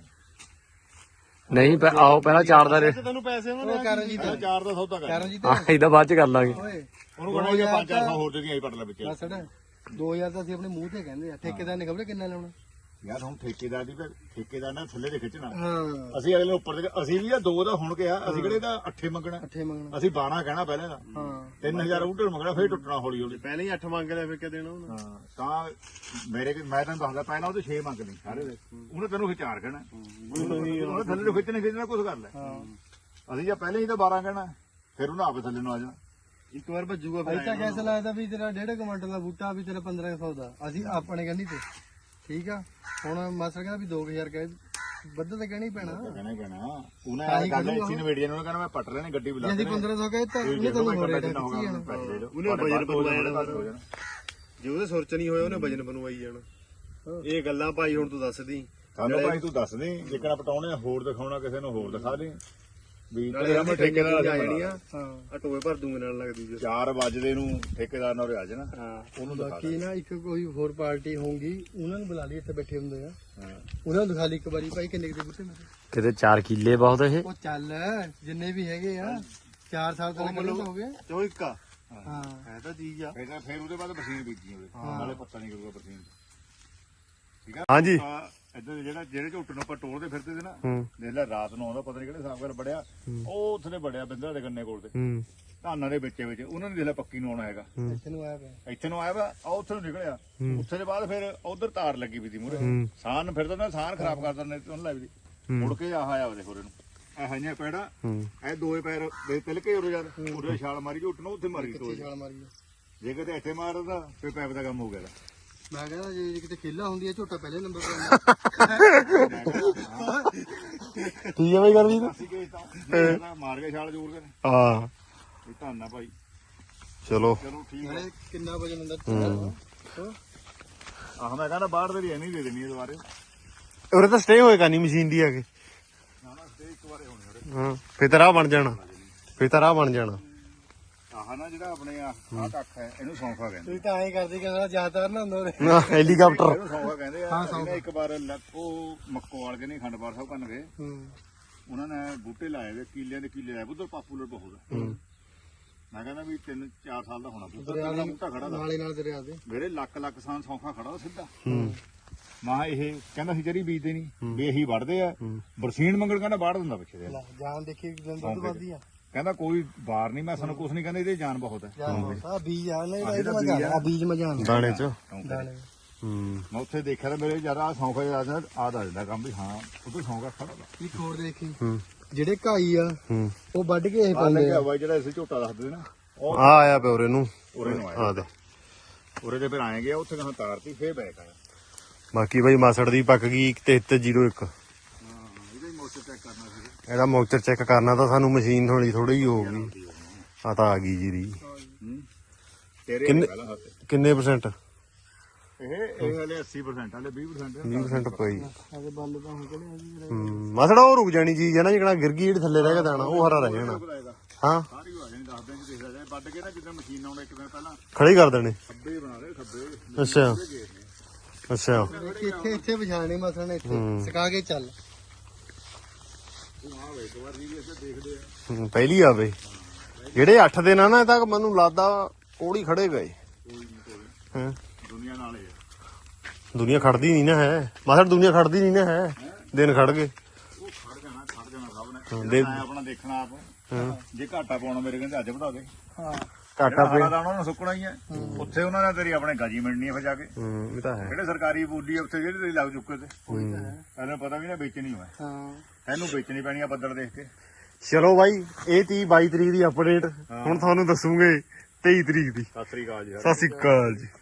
C: ਨਹੀਂ ਪ- ਆਓ ਪਹਿਲਾਂ ਚਾਰ ਦਾ ਰੇਟ
A: ਤੈਨੂੰ ਪੈਸੇ ਉਹਨਾਂ
B: ਉਹ ਕਰਨ ਜੀ
E: ਪਹਿਲਾਂ ਚਾਰ ਦਾ ਸੌਦਾ ਕਰ
B: ਕਰਨ ਜੀ
C: ਹਾਂ ਇਹਦਾ ਬਾਅਦ ਚ ਕਰ ਲਾਂਗੇ
B: ਓਏ
E: ਉਹਨੂੰ ਕਹਣਾ ਜੇ ਪੰਜ ਚਾਰ ਸੌ ਹੋਰ ਦੇ ਦੀ ਆਈ ਪਟ ਲੈ ਵਿੱਚ
B: ਬਸੜ ਦੋ ਹਜ਼ਾਰ ਤਾਂ ਅਸੀਂ ਆਪਣੇ ਮੂੰਹ ਤੇ ਕਹਿੰਦੇ ਆ ਠੇਕੇਦਾਰ ਨੇ ਖਬਰ ਕਿੰਨਾ ਲਾਉਣਾ
E: ਯਾਰ ਹੁਣ ਠੇਕੇਦਾਰ ਦੀ ਤਾਂ ਠੇਕੇਦਾਰ ਨੇ ਥੱਲੇ ਦੇ ਖਿੱਚਣਾ
B: ਹਾਂ
E: ਅਸੀਂ ਅਗਲੇ ਨੂੰ ਉੱਪਰ ਦੇ ਅਸੀਂ ਵੀ ਆ ਦੋ ਦਾ ਹੁਣ ਕਿਹਾ ਅਸੀਂ ਕਿਹੜੇ ਦਾ ਅੱਠੇ ਮੰਗਣਾ
B: ਅੱਠੇ ਮੰਗਣਾ
E: ਅਸੀਂ ਬਾਰਾਂ ਕਹਿਣਾ ਪਹਿਲਾਂ ਦਾ
B: ਹਾਂ
E: ਤਿੰਨ ਹਜ਼ਾਰ ਬੂਟੇ ਨੂੰ ਮੰਗਣਾ ਫਿਰ ਟੁੱਟਣਾ ਹੌਲੀ ਹੌਲੀ
A: ਪਹਿਲੇ ਹੀ ਅੱਠ ਮੰਗ ਲਿਆ ਫਿਰ ਕਿ ਦੇਣਾ ਉਹਨਾਂ
E: ਹਾਂ ਤਾਂ ਮੇਰੇ ਮੈਂ ਤੈਨੂੰ ਦੱਸਦਾ ਪਹਿਲਾਂ ਉਹਦੇ ਛੇ ਮੰਗ ਲਈ ਸਾਰੇ ਦੇ ਉਹਨੇ ਤੈਨੂੰ ਫਿਰ ਚਾਰ ਕਹਿਣਾ ਉਹਨੇ ਥੱਲੇ ਨੂੰ ਖਿੱਚਣੇ ਖਿੱਚਣਾ ਕੁਝ ਕਰ ਲੈ ਅਸੀਂ ਜਾਂ ਪਹਿਲੇ ਹੀ ਤਾਂ ਬਾਰਾਂ ਕਹਿਣਾ ਫਿਰ ਉਹਨੇ ਆਪੇ ਥੱਲੇ ਨੂੰ ਆ ਜਾਣਾ
A: ਇੱਕ ਵਾਰ ਭੱਜੂਗਾ
B: ਅਜੇ ਤਾਂ ਕੈਸੇ ਲਾਇਆ ਤਾਂ ਵੀ ਤੇਰਾ ਡੇਢ ਕੁਇੰਟਲ ਦਾ ਬੂਟਾ ਵੀ ਤੇਰਾ ਪੰਦਰਾਂ ਸੌ ਦਾ ਅਸੀਂ ਆਪਣੇ ਕਹਿੰਦੀ ਤੇ ਠੀਕ ਆ ਹੁਣ ਮਾਸਟਰ ਕਹਿੰਦਾ ਵੀ ਦੋ ਹਜ਼ਾਰ ਕਹੇ ਵੱਧ ਤਾਂ ਕਹਿਣਾ ਹੀ ਪੈਣਾ
E: ਕਹਿਣਾ ਹੀ ਕਹਿਣਾ ਉਹਨੇ ਆ ਗੱਲ ਇੱਥੇ ਨਵੇੜੀਆਂ ਨੂੰ ਕਹਿੰਦਾ ਮੈਂ ਪੱਟ ਲੈਣੇ ਗੱਡੀ ਬੁਲਾ
B: ਜੇ ਅਸੀਂ ਪੰਦਰਾਂ ਸੌ ਕਹੇ ਤਾਂ ਉਹਨੇ ਤੈਨੂੰ ਹੋਰ ਰੇਟ ਖਿੱਚੀ ਜਾਣਾ
A: ਉਹਨੇ ਵਜਨ ਬਣਵਾਇਆ ਜਾਣਾ ਜੇ ਉਹਦੇ ਸੁਰ ਚ ਨਹੀਂ ਹੋਇਆ ਉਹਨੇ ਵਜਨ ਬਣਵਾਈ ਜਾਣਾ ਇਹ ਗੱਲਾਂ ਭਾਈ ਹੁਣ ਤੂੰ ਦੱਸਦੀ
E: ਸਾਨੂੰ ਭਾਈ ਤੂੰ ਦੱਸ ਦੇ ਜੇਕਰ ਪਟਾਉਣੇ ਹੋਰ ਦਿਖਾਉਣਾ ਕਿਸੇ ਨੂੰ ਹੋਰ ਦਿਖਾ ਦੇ ਵੀ
A: ਨਾਲੇ
E: ਤੇਰੇ
A: ਮੈਂ
E: ਸਾਹਮਣੇ ਠੇਕੇਦਾਰ
A: ਆ
E: ਆ
A: ਜਾਣੀ
E: ਜਾਣੀ
A: ਆ ਆ ਟੋਏ ਭਰ ਦੂੰਗੇ ਨਾਲ ਲੱਗਦੀ ਜੇ
E: ਚਾਰ ਵਜੇ ਨੂੰ ਠੇਕੇਦਾਰ ਨਾਲ ਆ ਜਾਣਾ
A: ਹਾਂ
E: ਉਹਨੂੰ ਦਿਖਾ
B: ਬਾਕੀ ਨਾ ਇੱਕ ਕੋਈ ਹੋਰ ਪਾਰਟੀ ਹੋਊਗੀ ਉਹਨਾਂ ਨੂੰ ਬੁਲਾ ਲਈ ਇੱਥੇ ਬੈਠੇ ਹੁੰਦੇ ਆ
E: ਹਾਂ।
B: ਉਹਨਾਂ ਨੂੰ ਦਿਖਾ ਲਈ ਇੱਕ ਵਾਰੀ ਭਾਈ ਕਿੰਨੇ ਕੁ ਦੇ ਬੂਟੇ ਮੇਰੇ
C: ਕਿਤੇ ਚਾਰ ਕਿੱਲੇ ਬਹੁਤ ਇਹ
B: ਉਹ ਚੱਲ ਜਿੰਨੇ ਵੀ ਹੈਗੇ ਆ ਚਾਰ ਸਾਲ ਤੱਕ ਕਿੰਨੇ ਹੋ ਗਏ
A: ਚੋ ਇੱਕ ਆ
B: ਹਾਂ
A: ਹੈ ਤਾਂ ਚੀਜ਼ ਆ
E: ਫਿਰ ਤਾਂ- ਫਿਰ ਉਹਦੇ ਬਾਅਦ ਬਰਸੀਨ ਬੀਜੀ ਉਹਦੇ ਨਾਲੇ ਪੱਤਾ ਨਹੀਂ ਕਰੂਗਾ ਬਰਸੀਨ ਠੀਕ ਆ
C: ਹਾਂਜੀ
E: ਆ ਇੱਧਰ ਜਿਹੜਾ ਜਿਹੜੇ ਝੋਟ ਨੂੰ ਆਪਾਂ ਟੋਲਦੇ ਫਿਰਦੇ ਸੀ ਨਾ
C: ਹੂੰ
E: ਦੇਖ ਲੈ ਰਾਤ ਨੂੰ ਆਉਂਦਾ ਪਤਾ ਨਹੀਂ ਕਿਹੜੇ ਹਿਸਾਬ ਨਾਲ ਬੜਿਆ ਉਹ ਉੱਥੇ ਬੜਿਆ ਬਿੰਦਰਾ ਦੇ ਗੰਨੇ ਕੋਲ ਤੇ
C: ਹੂੰ
E: ਧਾਨਾਂ ਦੇ ਵਿੱਚ ਵਿੱਚ ਉਹਨਾਂ ਨੇ ਦੇਖ ਲੈ ਪੱਕੀ ਨੂੰ ਆਉਣਾ ਹੈਗਾ
B: ਇੱਥੇ ਨੂੰ ਆਇਆ ਪਿਆ
E: ਇੱਥੇ ਨੂੰ ਆਇਆ ਵਾ ਆ ਉੱਥੇ ਨੂੰ ਨਿਕਲਿਆ ਉੱਥੇ ਦੇ ਬਾਅਦ ਫਿਰ ਉਧਰ ਤਾਰ ਲੱਗੀ ਵੀ ਦੀ ਮੂਰੇ
C: ਹੂੰ।
E: ਸਾਨ ਫਿਰਦਾ ਨਾ ਸਾਨ ਖਰਾਬ ਕਰ ਦਿੰਦੇ ਉਹਨੂੰ ਲੈ ਵੀ ਦੀ ਮੁੜ ਕੇ ਆਹ ਆਇਆ ਉਹਦੇ ਹੋਰੇ ਨੂੰ ਇਹ ਹਈਆਂ ਪੈੜਾ
C: ਹੂੰ
E: ਇਹ ਦੋਏ ਪੈਰ ਦੇ ਤਿਲਕੇ ਉਰੇ ਯਾਰ ਉਰੇ ਛਾਲ ਮਾਰੀ ਝੁੱਟ ਨੂੰ ਉੱਥੇ ਮਾਰੀ ਤੋੜ
B: ਛਾਲ ਮਾਰੀ
E: ਜੇ ਕਿਤੇ ਇੱਥੇ ਮਾਰਦਾ ਫਿਰ ਪੈਪ ਦਾ ਕੰਮ ਹੋ ਗਿਆ ਇਹਦਾ।
B: ਮੈਂ ਕਹਿੰਦਾ ਜੇ ਕਿਤੇ ਖੇਲਾ ਹੁੰਦੀ ਹੈ ਝੋਟਾ ਪਹਿਲੇ ਨੰਬਰ ਤੇ
C: ਠੀਕ ਹੈ ਬਈ ਕਰਦੀ ਤੂੰ
E: ਅਸੀਂ ਕੇਸ ਤਾਂ ਜੇ ਮਾਰ ਕੇ ਛਾਲ ਜ਼ੋਰ ਕੇ
C: ਹਾਂ
E: ਇਹ ਧੰਨਾ ਭਾਈ
C: ਚਲੋ
E: ਚਲੋ ਠੀਕ ਹੈ
B: ਨਾਲੇ ਕਿੰਨਾ ਵਜਨ ਹੁੰਦਾ
E: ਆਹ ਮੈਂ ਕਹਿੰਦਾ ਬਾਹਰ ਦੇ ਨਹੀਂ ਦੇ ਦੇਣੀ ਦੁਬਾਰੇ
C: ਉਰੇ ਤਾਂ ਸਟੇ ਹੋਏਗਾ ਨਹੀਂ ਮਸ਼ੀਨ ਦੀ ਆ ਕੇ
E: ਨਾ ਨਾ ਸਟੇ ਇੱਕ ਵਾਰੇ ਹੋਣੇ ਉਰੇ
C: ਹਾਂ ਫੇਰ ਤਾਂ ਰਾਹ ਬਣ ਜਾਣਾ ਫੇਰ ਤਾਂ ਰਾਹ ਬਣ ਜਾਣਾ
E: ਆਹ ਨਾ ਜਿਹੜਾ ਆਪਣੇ ਆ ਆਹ ਕੱਖ ਹੈ ਇਹਨੂੰ ਸੌਂਫਾ ਕਹਿੰਦੇ
B: ਤੁਸੀਂ ਤਾਂ ਐਂ ਕਰਦੇ ਕਿ ਸਾਲਾ ਜ਼ਿਆਦਾਤਰ ਨਾ ਹੁੰਦਾ ਉਰੇ
C: ਨਾ ਹੈਲੀਕਾਪਟਰ
E: ਇਹਨੂੰ ਸੌਂਫਾ ਕਹਿੰਦੇ ਆ ਇਹਨੇ ਇੱਕ ਵਾਰ ਲੱਕ- ਉਹ ਮੱਕੋ ਵਾਲ ਕੇ ਨਹੀਂ ਖੰਡਪਾਰ ਸਾਹਿਬ ਕੰਨ ਗਏ
B: ਹੂੰ
E: ਉਹਨਾਂ ਨੇ ਬੂਟੇ ਲਾਏ ਵੇ ਕੀਲਿਆਂ ਦੇ ਕੀਲੇ ਲਾਏ ਉਧਰ ਪਾਪੂਲਰ ਬਹੁਤ ਹੈ ਮੈਂ ਕਹਿੰਦਾ ਵੀ ਤਿੰਨ ਚਾਰ ਸਾਲ ਦਾ ਹੋਣਾ ਬੂਟਾ
B: ਦਰਿਆ
E: ਕਿੰਨਾ
B: ਦੇ
E: ਬੂਟਾ ਖੜਾ ਦਾ
B: ਨਾਲੇ ਨਾਲ ਦਰਿਆ ਦੇ
E: ਮੇਰੇ ਲੱਖ ਲੱਖ ਸਾਨ ਸੌਂਫਾ ਖੜਾ ਉਹ ਸਿੱਧਾ ਮਾਂ ਇਹ ਕਹਿੰਦਾ ਸੀ ਜਰੀ ਬੀਜਦੇ ਨਹੀਂ ਵੀ ਇਹੀ ਵੜਦੇ ਆ ਬਰਸੀਨ ਮੰਗਣ ਕਹਿੰਦਾ ਬਾੜ ਦਿੰਦਾ ਪਿੱਛੇ ਦੇ
B: ਲੈ ਜਾਨ ਦੇਖੀ ਦਿਨ ਦੁੱਧ ਵੱਧਦੀ ਆ
E: ਕਹਿੰਦਾ ਕੋਈ ਬਾਰ ਨਹੀਂ ਮੈਂ ਸਾਨੂੰ ਕੁਝ ਨਹੀਂ ਕਹਿੰਦਾ ਇਹਦੇ ਜਾਨ ਬਹੁਤ ਹੈ
B: ਜਾਨ ਆ ਬੀਜ ਆ ਨਹੀਂ ਤਾਂ ਇਹਦਾ ਮਜ਼ਾ ਆ ਬੀਜ ਮਜ਼ਾ ਆਉਂਦਾ
C: ਦਾਣੇ ਚ
B: ਦਾਣੇ
C: ਹੂੰ
E: ਮੈਂ ਉੱਥੇ ਦੇਖਿਆ ਤਾਂ ਮੇਰੇ ਜਿਆਦਾ ਸੌਂਫਾ ਜਿਆਦਾ ਆਦ ਆ ਜਾਂਦਾ ਕੰਮ ਵੀ ਹਾਂ ਉਹ ਤੋਂ ਸੌਂਫਾ ਖੜਾ ਦਾ
B: ਇੱਕ ਹੋਰ ਦੇਖੀ
C: ਹੂੰ
B: ਜਿਹੜੇ ਘਾਈ ਆ
C: ਹੂੰ
B: ਉਹ ਵੱਢ ਕੇ ਇਹ
E: ਆ
B: ਪਾਉਂਦੇ
E: ਲੱਗਿਆ
B: ਆ
E: ਹੋਇਆ ਜਿਹੜਾ ਅਸੀਂ ਝੋਟਾ ਦੱਸਦੇ ਨਾ ਉਹ
C: ਆ ਆਇਆ ਪਿਆ ਉਰੇ ਨੂੰ
E: ਉਰੇ ਨੂੰ ਆਇਆ
C: ਆ ਦੇ
E: ਉਰੇ ਦੇ ਫਿਰ ਆਏ ਗਿਆ ਉੱਥੇ ਕਹਾਂ ਤਾਰਤੀ ਫੇਰ ਬੈਕ ਆਇਆ
C: ਬਾਕੀ ਬਾਈ ਮਾਸੜ ਦੀ ਪੱਕ ਗਈ ਤੇਤੀ ਜ਼ੀਰੋ ਇੱਕ
E: ਹਾਂ ਇਹਦਾ ਹੀ ਮੋਟਰ ਚੈੱਕ ਕਰਨਾ ਸੀ
C: ਇਹਦਾ ਮੌਕਚਰ ਚੈੱਕ ਕਰਨਾ ਤਾਂ ਸਾਨੂੰ ਮਸ਼ੀਨ ਥੋੜੀ ਥੋੜੀ ਹੀ ਹੋਊਗੀ ਆ ਤਾਂ ਆ ਗਈ ਜੀਰੀ
E: ਤੇਰੇ
C: ਕਿੰਨੇ-
E: ਪਹਿਲਾਂ ਹੱਥ
C: ਕਿੰਨੇ ਪਰਸੈਂਟ
E: ਇਹ ਇਹ ਹਲੇ ਅੱਸੀ ਪਰਸੈਂਟ ਹਲੇ ਵੀਹ ਪਰਸੈਂਟ
C: ਵੀਹ ਪਰਸੈਂਟ ਪਈ
B: ਆਦੇ ਬੱਲ ਤਾਂ ਹੁਣ ਕਿਹੜੇ ਆ ਜੀ
C: ਹੂੰ ਮਾਸੜਾ ਉਹ ਰੁਕ ਜਾਣੀ ਚੀਜ਼ ਹੈ ਨਾ ਜਿਹੜਾ ਗਿਰ ਗਈ ਜਿਹੜੀ ਥੱਲੇ ਰਹਿ ਕੇ ਦਾਣਾ ਉਹ ਹਰਾ ਰਹਿ ਜਾਣਾ ਹਾਂ
E: ਸਾਰੀ ਆ ਜਾਣੀ ਦਸ ਦਿਨ ਚ ਦੇਖਦਾ ਜਾਏ ਵੱਢ ਕੇ ਨਾ ਜਿੱਦਾਂ ਮਸ਼ੀਨ ਆਉਣਾ ਇੱਕ ਦਿਨ ਪਹਿਲਾਂ
C: ਖੜੀ ਕਰ ਦੇਣੇ
E: ਖੱਬੇ ਬਣਾ ਦੇ ਖੱਬੇ
C: ਅੱਛਾ ਅੱਛਾ
B: ਇੱਥੇ ਇੱਥੇ ਵਿਛਾਣੇ ਮਸਲ ਨੇ ਇੱਥੇ ਸਿਕਾ ਕੇ ਚੱਲ
E: ਤੂੰ ਆ ਵੇ ਇੱਕ ਵਾਰ ਜੀ ਇੱਥੇ ਦੇਖਦੇ ਆ
C: ਹੂੰ, ਪਹਿਲੀ ਆ ਬਈ ਜਿਹੜੇ ਅੱਠ ਦਿਨ ਆ ਨਾ ਇਹ ਤਾਂ ਮੈਨੂੰ ਲੱਗਦਾ ਕੋੜੀ ਖੜੇ ਗਏ
E: ਕੋਈ ਨਹੀਂ ਕੋਈ
C: ਹਾਂ
E: ਦੁਨੀਆ ਨਾਲ ਹੀ ਆ
C: ਦੁਨੀਆ ਖੜਦੀ ਨਹੀਂ ਨਾ ਹੈ ਮਾਸੜ ਦੁਨੀਆ ਖੜਦੀ ਨਹੀਂ ਨਾ ਹੈ ਦਿਨ ਖੜ ਗਏ
E: ਉਹ ਖੜ ਜਾਣਾ ਖੜ ਜਾਣਾ ਸਭ ਆਪਣੇ
C: ਦੇ-
E: ਮੈਂ ਆਪਣਾ ਦੇਖਣਾ ਆਪ ਜੇ ਘਾਟਾ ਪਾਉਣਾ ਮੇਰੇ ਕਹਿੰਦੇ ਅੱਜ ਵਧਾ ਦੇ
B: ਹਾਂ
C: ਘਾਟਾ
E: ਹਰਾ ਦਾਣਾ ਉਹਨਾਂ ਨੂੰ ਸੁੱਕਣਾ ਹੀ ਹੈ ਉੱਥੇ ਉਹਨਾਂ ਨੇ ਤੇਰੀ ਆਪਣੇ ਗਾਜੀ ਮਿਲਣੀ ਹੈ ਫਿਰ ਜਾ ਕੇ
C: ਹੂੰ ਇਹ ਤਾਂ ਹੈ
E: ਜਿਹੜੇ ਸਰਕਾਰੀ ਬੋਲੀ ਆ ਉੱਥੇ ਜਿਹੜੇ ਤੇਰੀ ਲੱਗ ਚੁੱਕੇ ਤੇ ਇਹਨੂੰ ਪਤਾ ਵੀ ਨਾ ਵੇਚਣੀ ਹੋਇਆ
B: ਹਾਂ
E: ਇਹਨੂੰ ਵੇਚਣੀ ਪੈਣੀ ਆ ਬੱਦਲ ਦੇਖ ਕੇ
C: ਚਲੋ ਬਾਈ ਇਹ ਤੀ ਬਾਈ ਤਰੀਕ ਦੀ ਅਪਡੇਟ ਹੁਣ ਤੁਹਾਨੂੰ ਦੱਸੂਗੇ ਤੇਈ ਤਰੀਕ ਦੀ।
A: ਸਤਿ ਸ੍ਰੀ ਅਕਾਲ ਜੀ
C: ਸਤਿ ਸ਼੍ਰੀ ਅਕਾਲ ਜੀ।